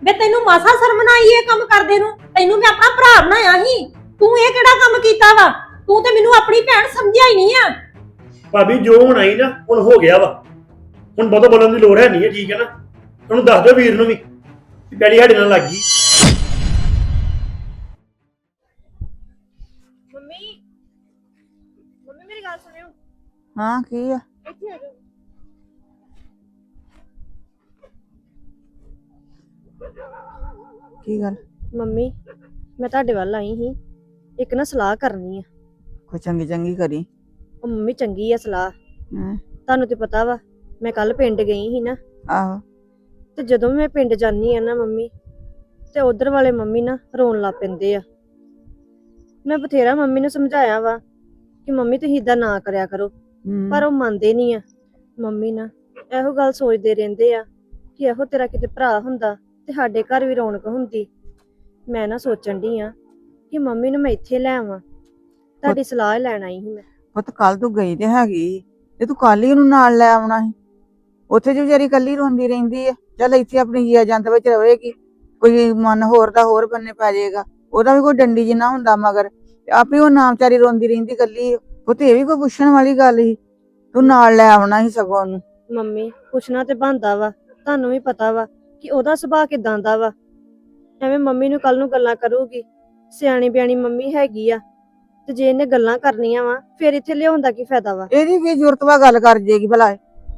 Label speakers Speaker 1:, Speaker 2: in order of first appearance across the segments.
Speaker 1: ਵੇ ਤੈਨੂੰ ਮਾਸਾ ਸ਼ਰਮ ਨਾ ਆਈ ਇਹ ਕੰਮ ਕਰਦੇ ਨੂੰ? ਤੈਨੂੰ ਮੈਂ ਆਪਣਾ ਭਰਾ ਬਣਾਇਆ ਸੀ, ਤੂੰ ਇਹ ਕਿਹੜਾ ਕੰਮ ਕੀਤਾ ਵਾ? ਤੂੰ ਤੇ ਮੈਨੂੰ ਆਪਣੀ ਭੈਣ ਸਮਝਿਆ ਹੀ ਨਹੀਂ ਆ।
Speaker 2: ਭਾਬੀ ਜੋ ਹੁਣ ਆਈ ਨਾ ਹੁਣ ਹੋ ਗਿਆ ਵਾ, ਹੁਣ ਬਹੁਤਾ ਬੋਲਣ ਦੀ ਲੋੜ ਹੈ ਨਹੀਂ ਹੈ, ਠੀਕ ਹੈ ਨਾ? ਉਹਨੂੰ ਦੱਸ ਦਿਓ ਵੀਰ ਨੂੰ ਵੀ ਪੈਲੀ ਸਾਡੇ ਨਾਲ ਲੱਗ ਗਈ।
Speaker 3: ਮੰਮੀ ਮੇਰੀ ਗੱਲ ਸੁਣਿਓ।
Speaker 4: ਹਾਂ ਕੀ ਆ?
Speaker 3: ਇੱਥੇ ਆ ਜਾਓ।
Speaker 4: ਕੀ ਗੱਲ?
Speaker 3: ਮੰਮੀ ਮੈਂ ਤੁਹਾਡੇ ਵੱਲ ਆਈ ਸੀ, ਇੱਕ ਨਾ ਸਲਾਹ ਕਰਨੀ ਆ।
Speaker 4: ਕੋਈ ਚੰਗੀ ਚੰਗੀ ਕਰੀ।
Speaker 3: ਉਹ ਮੰਮੀ ਚੰਗੀ ਆ ਸਲਾਹ।
Speaker 4: ਹਾਂ
Speaker 3: ਤੁਹਾਨੂੰ ਤੇ ਪਤਾ ਵਾ ਮੈਂ ਕੱਲ ਪਿੰਡ ਗਈ ਸੀ ਨਾ,
Speaker 4: ਆਹੋ
Speaker 3: ਤੇ ਜਦੋਂ ਮੈਂ ਪਿੰਡ ਜਾਨੀ ਆ ਨਾ ਮੰਮੀ, ਤੇ ਉਧਰ ਵਾਲੇ ਮੰਮੀ ਨਾ ਰੋਣ ਲੱਗ ਪੈਂਦੇ ਆ। ਮੈਂ ਬਥੇਰਾ ਮੰਮੀ ਨੂੰ ਸਮਝਾਇਆ ਵਾ ਕਿ ਮੰਮੀ ਤੁਸੀਂ ਇਦਾਂ ਨਾ ਕਰਿਆ ਕਰੋ, ਪਰ ਉਹ ਮੰਨਦੇ ਨਹੀਂ ਆ। ਮੰਮੀ ਨਾ ਇਹੋ ਗੱਲ ਸੋਚਦੇ ਰਹਿੰਦੇ ਆ ਕਿ ਇਹੋ ਤੇਰਾ ਕਿਤੇ ਭਰਾ ਹੁੰਦਾ ਤੇ ਸਾਡੇ ਘਰ ਵੀ ਰੌਣਕ ਹੁੰਦੀ। ਮੈਂ ਨਾ ਸੋਚਣ ਡਈ ਆ ਕਿ ਮੰਮੀ ਨੂੰ ਮੈਂ ਇੱਥੇ ਲੈ ਆਵਾਂ, ਤੁਹਾਡੀ ਸਲਾਹ ਲੈਣ ਆਈ ਸੀ ਮੈਂ।
Speaker 4: ਪੁੱਤ ਕੱਲ ਤੂੰ ਗਈ ਤੇ ਹੈਗੀ, ਤੇ ਤੂੰ ਕੱਲ ਹੀ ਉਹਨੂੰ ਨਾਲ ਲੈ ਆਉਣਾ ਸੀ। ਉੱਥੇ ਜੋ ਵਿਚਾਰੀ ਕੱਲੀ ਰੋਂਦੀ ਰਹਿੰਦੀ ਆ, ਚੱਲ ਇੱਥੇ ਆਪਣੀ ਜੀਆ ਜੰਤ ਵਿੱਚ ਰਵੇਗੀ, ਕੋਈ ਮਨ ਹੋਰ ਦਾ ਹੋਰ ਬੰਨੇ ਪੈ ਜਾਏਗਾ, ਉਹਦਾ ਵੀ ਕੋਈ ਡੰਡੀ ਜਿੰਨਾ ਹੁੰਦਾ ਮਗਰ, ਆਪੇ ਉਹ ਨਾ ਵਿਚਾਰੀ ਰੋਂਦੀ ਰਹਿੰਦੀ ਕੱਲੀ। ਉਹ ਤੇ ਇਹ ਵੀ ਕੋਈ ਪੁੱਛਣ ਵਾਲੀ ਗੱਲ ਸੀ? ਤੂੰ ਨਾਲ ਲੈ ਆਉਣਾ ਸੀ ਸਗੋਂ ਉਹਨੂੰ।
Speaker 3: ਮੰਮੀ ਪੁੱਛਣਾ ਤੇ ਬਣਦਾ ਵਾ, ਤੁਹਾਨੂੰ ਵੀ ਪਤਾ ਵਾ ਕਿ ਉਹਦਾ ਸੁਭਾਅ ਕਿਦਾਂ ਦਾ ਵਾ। ਐਵੇਂ ਮੰਮੀ ਨੂੰ ਕੱਲ ਨੂੰ ਗੱਲਾਂ ਕਰੂਗੀ, ਸਿਆਣੀ ਬਿਆਣੀ ਮੰਮੀ ਹੈਗੀ ਆ, ਤੇ ਜੇ ਇਹਨੇ ਗੱਲਾਂ ਕਰਨੀਆਂ ਵਾ ਫਿਰ ਇੱਥੇ ਲਿਆਉਣ ਦਾ ਕੀ ਫਾਇਦਾ ਵਾ?
Speaker 4: ਇਹਦੀ ਕੀ ਜ਼ਰੂਰਤ ਵਾ ਗੱਲ ਕਰ ਜੇਗੀ ਭਲਾ?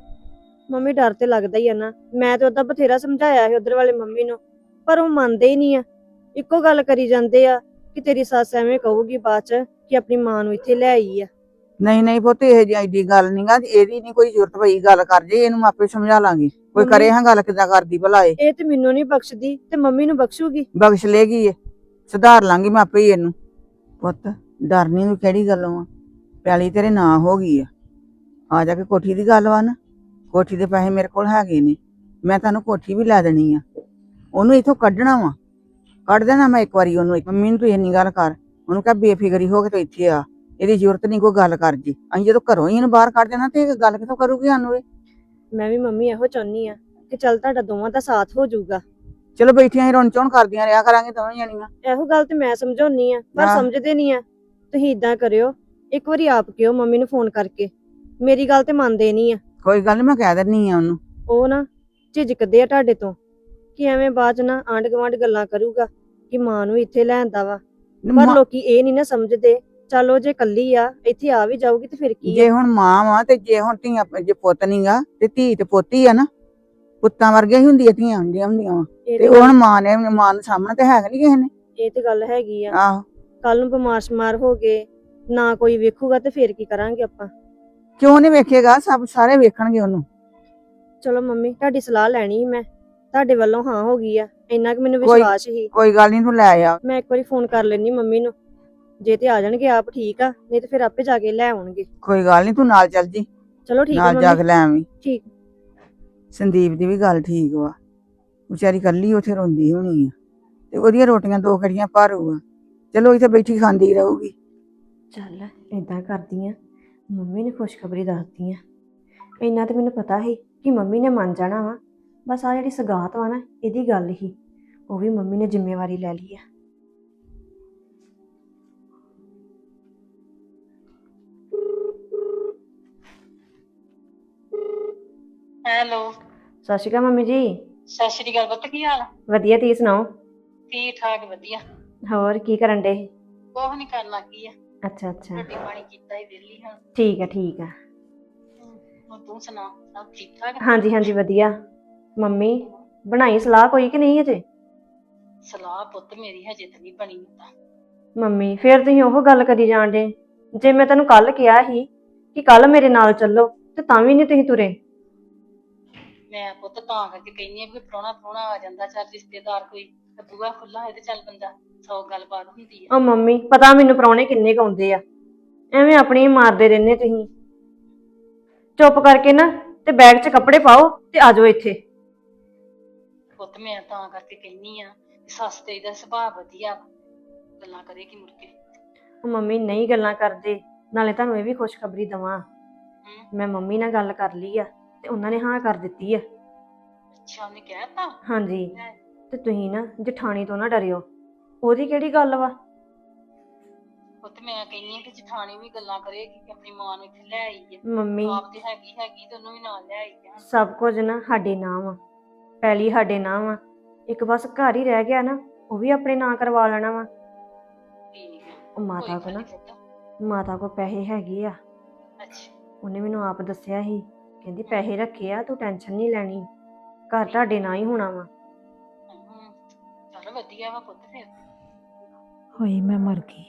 Speaker 3: ਮੰਮੀ ਡਰ ਤੇ ਲੱਗਦਾ ਹੀ ਆ ਨਾ। ਮੈਂ ਤੇ ਉਹਦਾ ਬਥੇਰਾ ਸਮਝਾਇਆ ਸੀ ਉਧਰ ਵਾਲੇ ਮੰਮੀ ਨੂੰ, ਪਰ ਉਹ ਮੰਨਦੇ ਹੀ ਨਹੀਂ ਆ। ਇੱਕੋ ਗੱਲ ਕਰੀ ਜਾਂਦੇ ਆ ਕਿ ਤੇਰੀ ਸੱਸ ਐਵੇਂ ਕਹੂਗੀ ਬਾਅਦ ਚ ਕਿ ਆਪਣੀ ਮਾਂ ਨੂੰ ਇੱਥੇ ਲੈ ਆਈ ਆ।
Speaker 4: ਨਹੀਂ ਨਹੀਂ ਪੁੱਤ ਇਹ ਜਿਹੀ ਐਡੀ ਗੱਲ ਨੀ ਗਾ, ਇਹਦੀ ਨੀ ਕੋਈ ਜ਼ਰੂਰਤ ਪਈ ਗੱਲ ਕਰ ਜੇ, ਇਹਨੂੰ ਆਪੇ ਸਮਝਾ ਲਾਂਗੀ। ਕੋਈ ਕਰੇ ਹਾਂ ਗੱਲ ਕਿੱਦਾਂ ਕਰਦੀ ਭਲਾ?
Speaker 3: ਇਹ ਤੇ ਮੈਨੂੰ ਨਹੀਂ ਬਖਸ਼ਦੀ ਤੇ ਮੰਮੀ ਨੂੰ ਬਖਸ਼ੂਗੀ।
Speaker 4: ਬਖਸ਼ ਲੇਗੀ ਇਹ, ਸੁਧਾਰ ਲਾਂਗੀ ਮੈਂ ਆਪੇ ਹੀ ਇਹਨੂੰ। ਪੁੱਤ ਡਰਨੀ ਨੂੰ ਕਿਹੜੀ ਗੱਲੋਂ ਆ? ਪੈਲੀ ਤੇਰੇ ਨਾਂ ਹੋ ਗਈ ਆ ਜਾ ਕੇ ਕੋਠੀ ਦੀ ਗੱਲ ਵਾ ਨਾ, ਕੋਠੀ ਦੇ ਪੈਸੇ ਮੇਰੇ ਕੋਲ ਹੈਗੇ ਨੇ, ਮੈਂ ਤੁਹਾਨੂੰ ਕੋਠੀ ਵੀ ਲੈ ਦੇਣੀ ਆ। ਉਹਨੂੰ ਇੱਥੋਂ ਕੱਢਣਾ ਵਾ, ਕੱਢ ਦੇਣਾ ਮੈਂ ਇੱਕ ਵਾਰੀ ਉਹਨੂੰ। ਮੰਮੀ ਨੂੰ ਤੂੰ ਇੰਨੀ ਗੱਲ ਕਰ, ਉਹਨੂੰ ਕਹਿ ਬੇਫਿਕਰੀ ਹੋ ਕੇ ਤੂੰ ਇੱਥੇ ਆ, ਇਹਦੀ ਜ਼ਰੂਰਤ ਨਹੀਂ ਕੋਈ ਗੱਲ ਕਰ ਜੀ। ਅਸੀਂ ਜਦੋਂ ਘਰੋਂ ਹੀ ਇਹਨੂੰ ਬਾਹਰ ਕੱਢ ਦੇਣਾ ਤੇ ਇਹ ਗੱਲ ਕਿੱਥੋਂ ਕਰੂਗੀ ਸਾਨੂੰ ਇਹ?
Speaker 3: ਮੈਂ ਵੀ ਮੰਮੀ ਇਹੋ ਚਾਹੁੰਦੀ ਆ ਕਿ ਚੱਲ ਤੁਹਾਡਾ ਦੋਵਾਂ ਦਾ ਸਾਥ ਹੋ ਜਾਊਗਾ।
Speaker 4: ਚਲੋ ਬੈਠੀਆਂ ਹੀ ਰੌਣ ਚੌਣ ਕਰਦੀਆਂ ਰਿਹਾ ਕਰਾਂਗੇ ਦੋਵੇਂ ਜਣੀਆਂ।
Speaker 3: ਇਹੋ ਗੱਲ ਤੇ ਮੈਂ ਸਮਝਾਉਣੀ ਆ, ਪਰ ਸਮਝਦੇ ਨਹੀਂ ਆ। ਤੁਸੀਂ ਇਦਾਂ ਕਰਿਓ, ਇੱਕ ਵਾਰੀ ਆਪ ਕਿਓ ਮੰਮੀ ਨੂੰ ਫੋਨ ਕਰਕੇ, ਮੇਰੀ ਗੱਲ ਤੇ ਮੰਨਦੇ ਨਹੀਂ ਆ।
Speaker 4: ਕੋਈ ਗੱਲ ਨੀ, ਮੈਂ ਕਹਿ ਦਿੰਨੀ ਆ ਉਹਨੂੰ।
Speaker 3: ਉਹ ਨਾ ਝਿਜਕਦੇ ਆ ਤੁਹਾਡੇ ਤੋਂ ਕਿ ਐਵੇਂ ਬਾਅਦ ਚ ਨਾ ਆਂਢ ਗੁਆਂਢ ਗੱਲਾਂ ਕਰੂਗਾ ਕਿ ਮਾਂ ਨੂੰ ਇੱਥੇ ਲੈਂਦਾ ਵਾ, ਪਰ ਲੋਕੀ ਇਹ ਨਹੀਂ ਨਾ ਸਮਝਦੇ। ਚਲੋ ਜੇ ਕੱਲੀ ਆ ਇੱਥੇ ਆ ਵੀ ਜਾਊਗੀ ਤੇ ਫਿਰ ਕੀ?
Speaker 4: ਜੇ ਹੁਣ ਮਾਂ ਵਾ ਤੇ ਜੇ ਹੁਣ ਧੀਆਂ, ਜੇ ਪੁੱਤ ਨੀਗਾ ਤੇ ਧੀ ਤੇ ਪੋਤੀ ਆ ਨਾ, ਪੁੱਤਾਂ ਵਰਗੀਆਂ ਹੀ ਹੁੰਦੀਆਂ ਧੀਆਂ ਹੁੰਦੀਆਂ ਵਾ। ਤੇ ਹੁਣ ਮਾਂ ਨੂੰ ਸਾਹਮਣੇ ਤੇ ਹੈਗਾ ਨੀ ਕਿਸੇ ਨੇ।
Speaker 3: ਇਹ ਤੇ ਗੱਲ ਹੈਗੀ ਆ।
Speaker 4: ਆਹੋ
Speaker 3: ਕੱਲ ਨੂੰ ਬਿਮਾਰ ਸ਼ਮਾਰ ਹੋ ਗਏ ਨਾ ਕੋਈ ਵੇਖੂਗਾ ਤੇ ਫਿਰ ਕੀ ਕਰਾਂਗੇ ਆਪਾਂ?
Speaker 4: ਕਿਉਂ ਨੀ ਵੇਖੇਗਾ? ਸਭ ਸਾਰੇ ਵੇਖਣਗੇ ਉਹਨੂੰ।
Speaker 3: ਚਲੋ ਮੰਮੀ ਤੁਹਾਡੀ ਸਲਾਹ ਲੈਣੀ ਸੀ ਮੈਂ, ਤੁਹਾਡੇ ਵੱਲੋਂ ਹਾਂ ਹੋ ਗਈ ਆ, ਇੰਨਾ ਕਿ ਮੈਨੂੰ ਵਿਸ਼ਵਾਸ ਹੀ।
Speaker 4: ਕੋਈ ਗੱਲ ਨੀ, ਤੂੰ ਲੈ ਆ।
Speaker 3: ਮੈਂ ਇੱਕ ਵਾਰੀ ਫੋਨ ਕਰ ਲੈਣੀ ਮੰਮੀ ਨੂੰ, ਜੇ ਤੇ ਆ ਜਾਣਗੇ ਆਪ ਠੀਕ ਆ, ਨਹੀਂ ਤੇ ਫਿਰ ਆਪੇ ਜਾ ਕੇ ਲੈ ਆਉਣਗੇ।
Speaker 4: ਕੋਈ ਗੱਲ ਨੀ, ਤੂੰ ਨਾਲ ਚੱਲ ਜੀ।
Speaker 3: ਚਲੋ ਠੀਕ ਆ
Speaker 4: ਨਾਲ ਜਾ ਕੇ
Speaker 3: ਮੰਮੀ।
Speaker 4: ਲੈ ਆਵੀਂ।
Speaker 3: ਠੀਕ।
Speaker 4: ਸੰਦੀਪ ਦੀ ਵੀ ਗੱਲ ਠੀਕ ਵਾ, ਵਿਚਾਰੀ ਕੱਲੀ ਉੱਥੇ ਰੋਂਦੀ ਹੋਣੀ ਆ, ਤੇ ਉਹਦੀਆਂ ਰੋਟੀਆਂ ਦੋ ਕੜੀਆਂ ਭਾਰੂ ਆ, ਚਲੋ ਇੱਥੇ ਬੈਠੀ ਖਾਂਦੀ ਰਹੂਗੀ।
Speaker 3: ਚੱਲ ਏਦਾਂ ਕਰਦੀ ਆ, ਮੰਮੀ ਨੇ ਖੁਸ਼ਖਬਰੀ ਦੱਸਦੀ ਆ। ਇੰਨਾ ਤੇ ਮੈਨੂੰ ਪਤਾ ਸੀ ਕਿ ਮੰਮੀ ਨੇ ਮੰਨ ਜਾਣਾ ਵਾ, ਬਸ ਆ ਜਿਹੜੀ ਸਗਾਤ ਵਾ ਨਾ ਇਹਦੀ ਗੱਲ ਹੀ, ਉਹ ਵੀ ਮੰਮੀ ਨੇ ਜ਼ਿੰਮੇਵਾਰੀ ਲੈ ਲਈ ਆ।
Speaker 5: ਹੈਲੋ।
Speaker 3: ਸਤਿ ਸ਼੍ਰੀ ਅਕਾਲ ਮੰਮੀ ਜੀ।
Speaker 5: ਸਤਿ ਸ਼੍ਰੀ ਅਕਾਲ ਪੁੱਤ, ਕੀ ਹਾਲ?
Speaker 3: ਵਧੀਆ, ਤੁਸੀਂ ਸੁਣਾਓ?
Speaker 5: ਠੀਕ ਠਾਕ ਵਧੀਆ।
Speaker 3: ਹੋਰ ਕੀ ਕਰਨ ਡੇ?
Speaker 5: ਕੁਛ ਨੀ ਕਰਨਾ ਕੀ ਆ,
Speaker 3: ਅੱਛਾ ਅੱਛਾ,
Speaker 5: ਰੋਟੀ ਪਾਣੀ ਕੀਤਾ ਹੀ ਵਿਹਲੀ ਹਾਂ।
Speaker 3: ਠੀਕ ਆ ਠੀਕ ਆ।
Speaker 5: ਹੁਣ ਤੂੰ ਸੁਣਾ, ਸਭ ਠੀਕ ਠਾਕ?
Speaker 3: ਹਾਂਜੀ ਹਾਂਜੀ ਵਧੀਆ। ਮੰਮੀ ਬਣਾਈ ਸਲਾਹ ਕੋਈ ਕਿ ਨਹੀਂ ਅਜੇ?
Speaker 5: ਸਲਾਹ ਪੁੱਤ ਮੇਰੀ ਹਜੇ ਤਾਂ ਨਹੀਂ ਬਣੀ ਹੁੰਦਾ।
Speaker 3: ਮੰਮੀ ਫੇਰ ਤੁਸੀਂ ਉਹ ਗੱਲ ਕਰੀ ਜਾਣ ਡੇ, ਜੇ ਮੈਂ ਤੈਨੂੰ ਕੱਲ ਕਿਹਾ ਸੀ ਕਿ ਕੱਲ ਮੇਰੇ ਨਾਲ ਚੱਲੋ ਤੇ ਤਾਂ ਵੀ ਨਹੀਂ ਤੁਸੀਂ ਤੁਰੇ।
Speaker 5: ਮੈਂ ਪੁੱਤ ਤਾਂ ਕਰਕੇ ਕਹਿੰਦੀ ਆ ਵੀ ਪ੍ਰਾਹੁਣਾ ਆ ਜਾਂਦਾ, ਚੱਲ ਰਿਸ਼ਤੇਦਾਰ ਕੋਈ ਬੂਹਾ ਖੁੱਲਾ ਹੋਏ ਤੇ ਚੱਲ ਬੰਦਾ 100 ਗੱਲਬਾਤ ਹੁੰਦੀ ਆ।
Speaker 3: ਉਹ ਮੰਮੀ ਪਤਾ ਮੈਨੂੰ ਪ੍ਰਾਹੁਣੇ ਕਿੰਨੇ ਕੁ ਆਉਂਦੇ ਆ, ਐਵੇਂ ਆਪਣੀ ਮਾਰਦੇ ਰਹਿੰਦੇ ਤੁਸੀਂ। ਚੁੱਪ ਕਰਕੇ ਨਾ ਤੇ ਬੈਗ 'ਚ ਕੱਪੜੇ ਪਾਓ ਤੇ ਆ ਜਾਓ ਇੱਥੇ।
Speaker 5: ਪੁੱਤ ਮੈਂ ਤਾਂ ਕਰਕੇ ਕਹਿੰਦੀ ਆ, ਸੱਸ ਤੇਰੀ ਦਾ ਸੁਭਾਅ ਵਧੀਆ ਵਾ, ਗੱਲਾਂ ਕਰੇਗੀ ਮੁੜ ਕੇ।
Speaker 3: ਉਹ ਮੰਮੀ ਨਹੀਂ ਗੱਲਾਂ ਕਰਦੇ, ਨਾਲੇ ਤੁਹਾਨੂੰ ਇਹ ਵੀ ਖੁਸ਼ਖਬਰੀ ਦਵਾਂ, ਮੈਂ ਮੰਮੀ ਨਾਲ ਗੱਲ ਕਰ ਲਈ ਆ ਤੇ ਉਹਨਾਂ ਨੇ ਹਾਂ ਕਰ ਦਿੱਤੀ ਆ।
Speaker 5: ਅੱਛਾ, ਉਹਨੇ ਕਹਿਤਾ?
Speaker 3: ਹਾਂਜੀ। ਤੇ ਤੁਸੀਂ ਨਾ ਜਠਾਣੀ ਤੋਂ ਨਾ ਡਰਿਓ। ਉਹਦੀ ਕਿਹੜੀ ਗੱਲ ਵਾ?
Speaker 5: ਪੁੱਤ ਮੈਂ ਕਹਿੰਨੀ ਆ ਕਿ ਜਠਾਣੀ ਵੀ ਗੱਲਾਂ ਕਰੇਗੀ ਕਿ ਆਪਣੀ ਮਾਂ ਨੂੰ ਇੱਥੇ ਲੈ ਆਈ ਆ।
Speaker 3: ਮੰਮੀ
Speaker 5: ਆਪ ਤੇ ਹੈਗੀ ਤੇ ਉਹਨੂੰ ਵੀ ਨਾਲ ਲੈ ਆਈ ਆ।
Speaker 3: ਸਭ ਕੁਝ ਨਾ ਸਾਡੇ ਨਾਂ ਵਾ, ਪਹਿਲੀ ਸਾਡੇ ਨਾਂ ਵਾ। ਇੱਕ ਬਸ ਘਰ ਹੀ ਰਹਿ ਗਿਆ ਨਾ, ਉਹ ਵੀ ਆਪਣੇ ਨਾਂ ਕਰਵਾ ਲੈਣਾ ਵਾ।
Speaker 5: ਠੀਕ ਆ।
Speaker 3: ਉਹ ਮਾਤਾ ਕੋ
Speaker 5: ਕੋਈ
Speaker 3: ਨਾ,
Speaker 5: ਗੱਲ ਨੀ ਪੁੱਤ।
Speaker 3: ਮਾਤਾ ਕੋ ਪੈਸੇ ਹੈਗੇ ਆ।
Speaker 5: ਅੱਛਾ।
Speaker 3: ਉਹਨੇ ਮੈਨੂੰ ਆਪ ਦੱਸਿਆ ਸੀ, ਕਹਿੰਦੀ ਪੈਸੇ ਰੱਖੇ ਆ, ਤੂੰ ਟੈਨਸ਼ਨ ਨਹੀਂ ਲੈਣੀ, ਘਰ ਤੁਹਾਡੇ ਨਾਂ ਹੀ ਹੋਣਾ ਵਾ।
Speaker 5: ਚੱਲ ਵਧੀਆ ਵਾ ਪੁੱਤ ਫਿਰ।
Speaker 1: ਹਾਏ ਮੈਂ ਮਰ ਗਈ।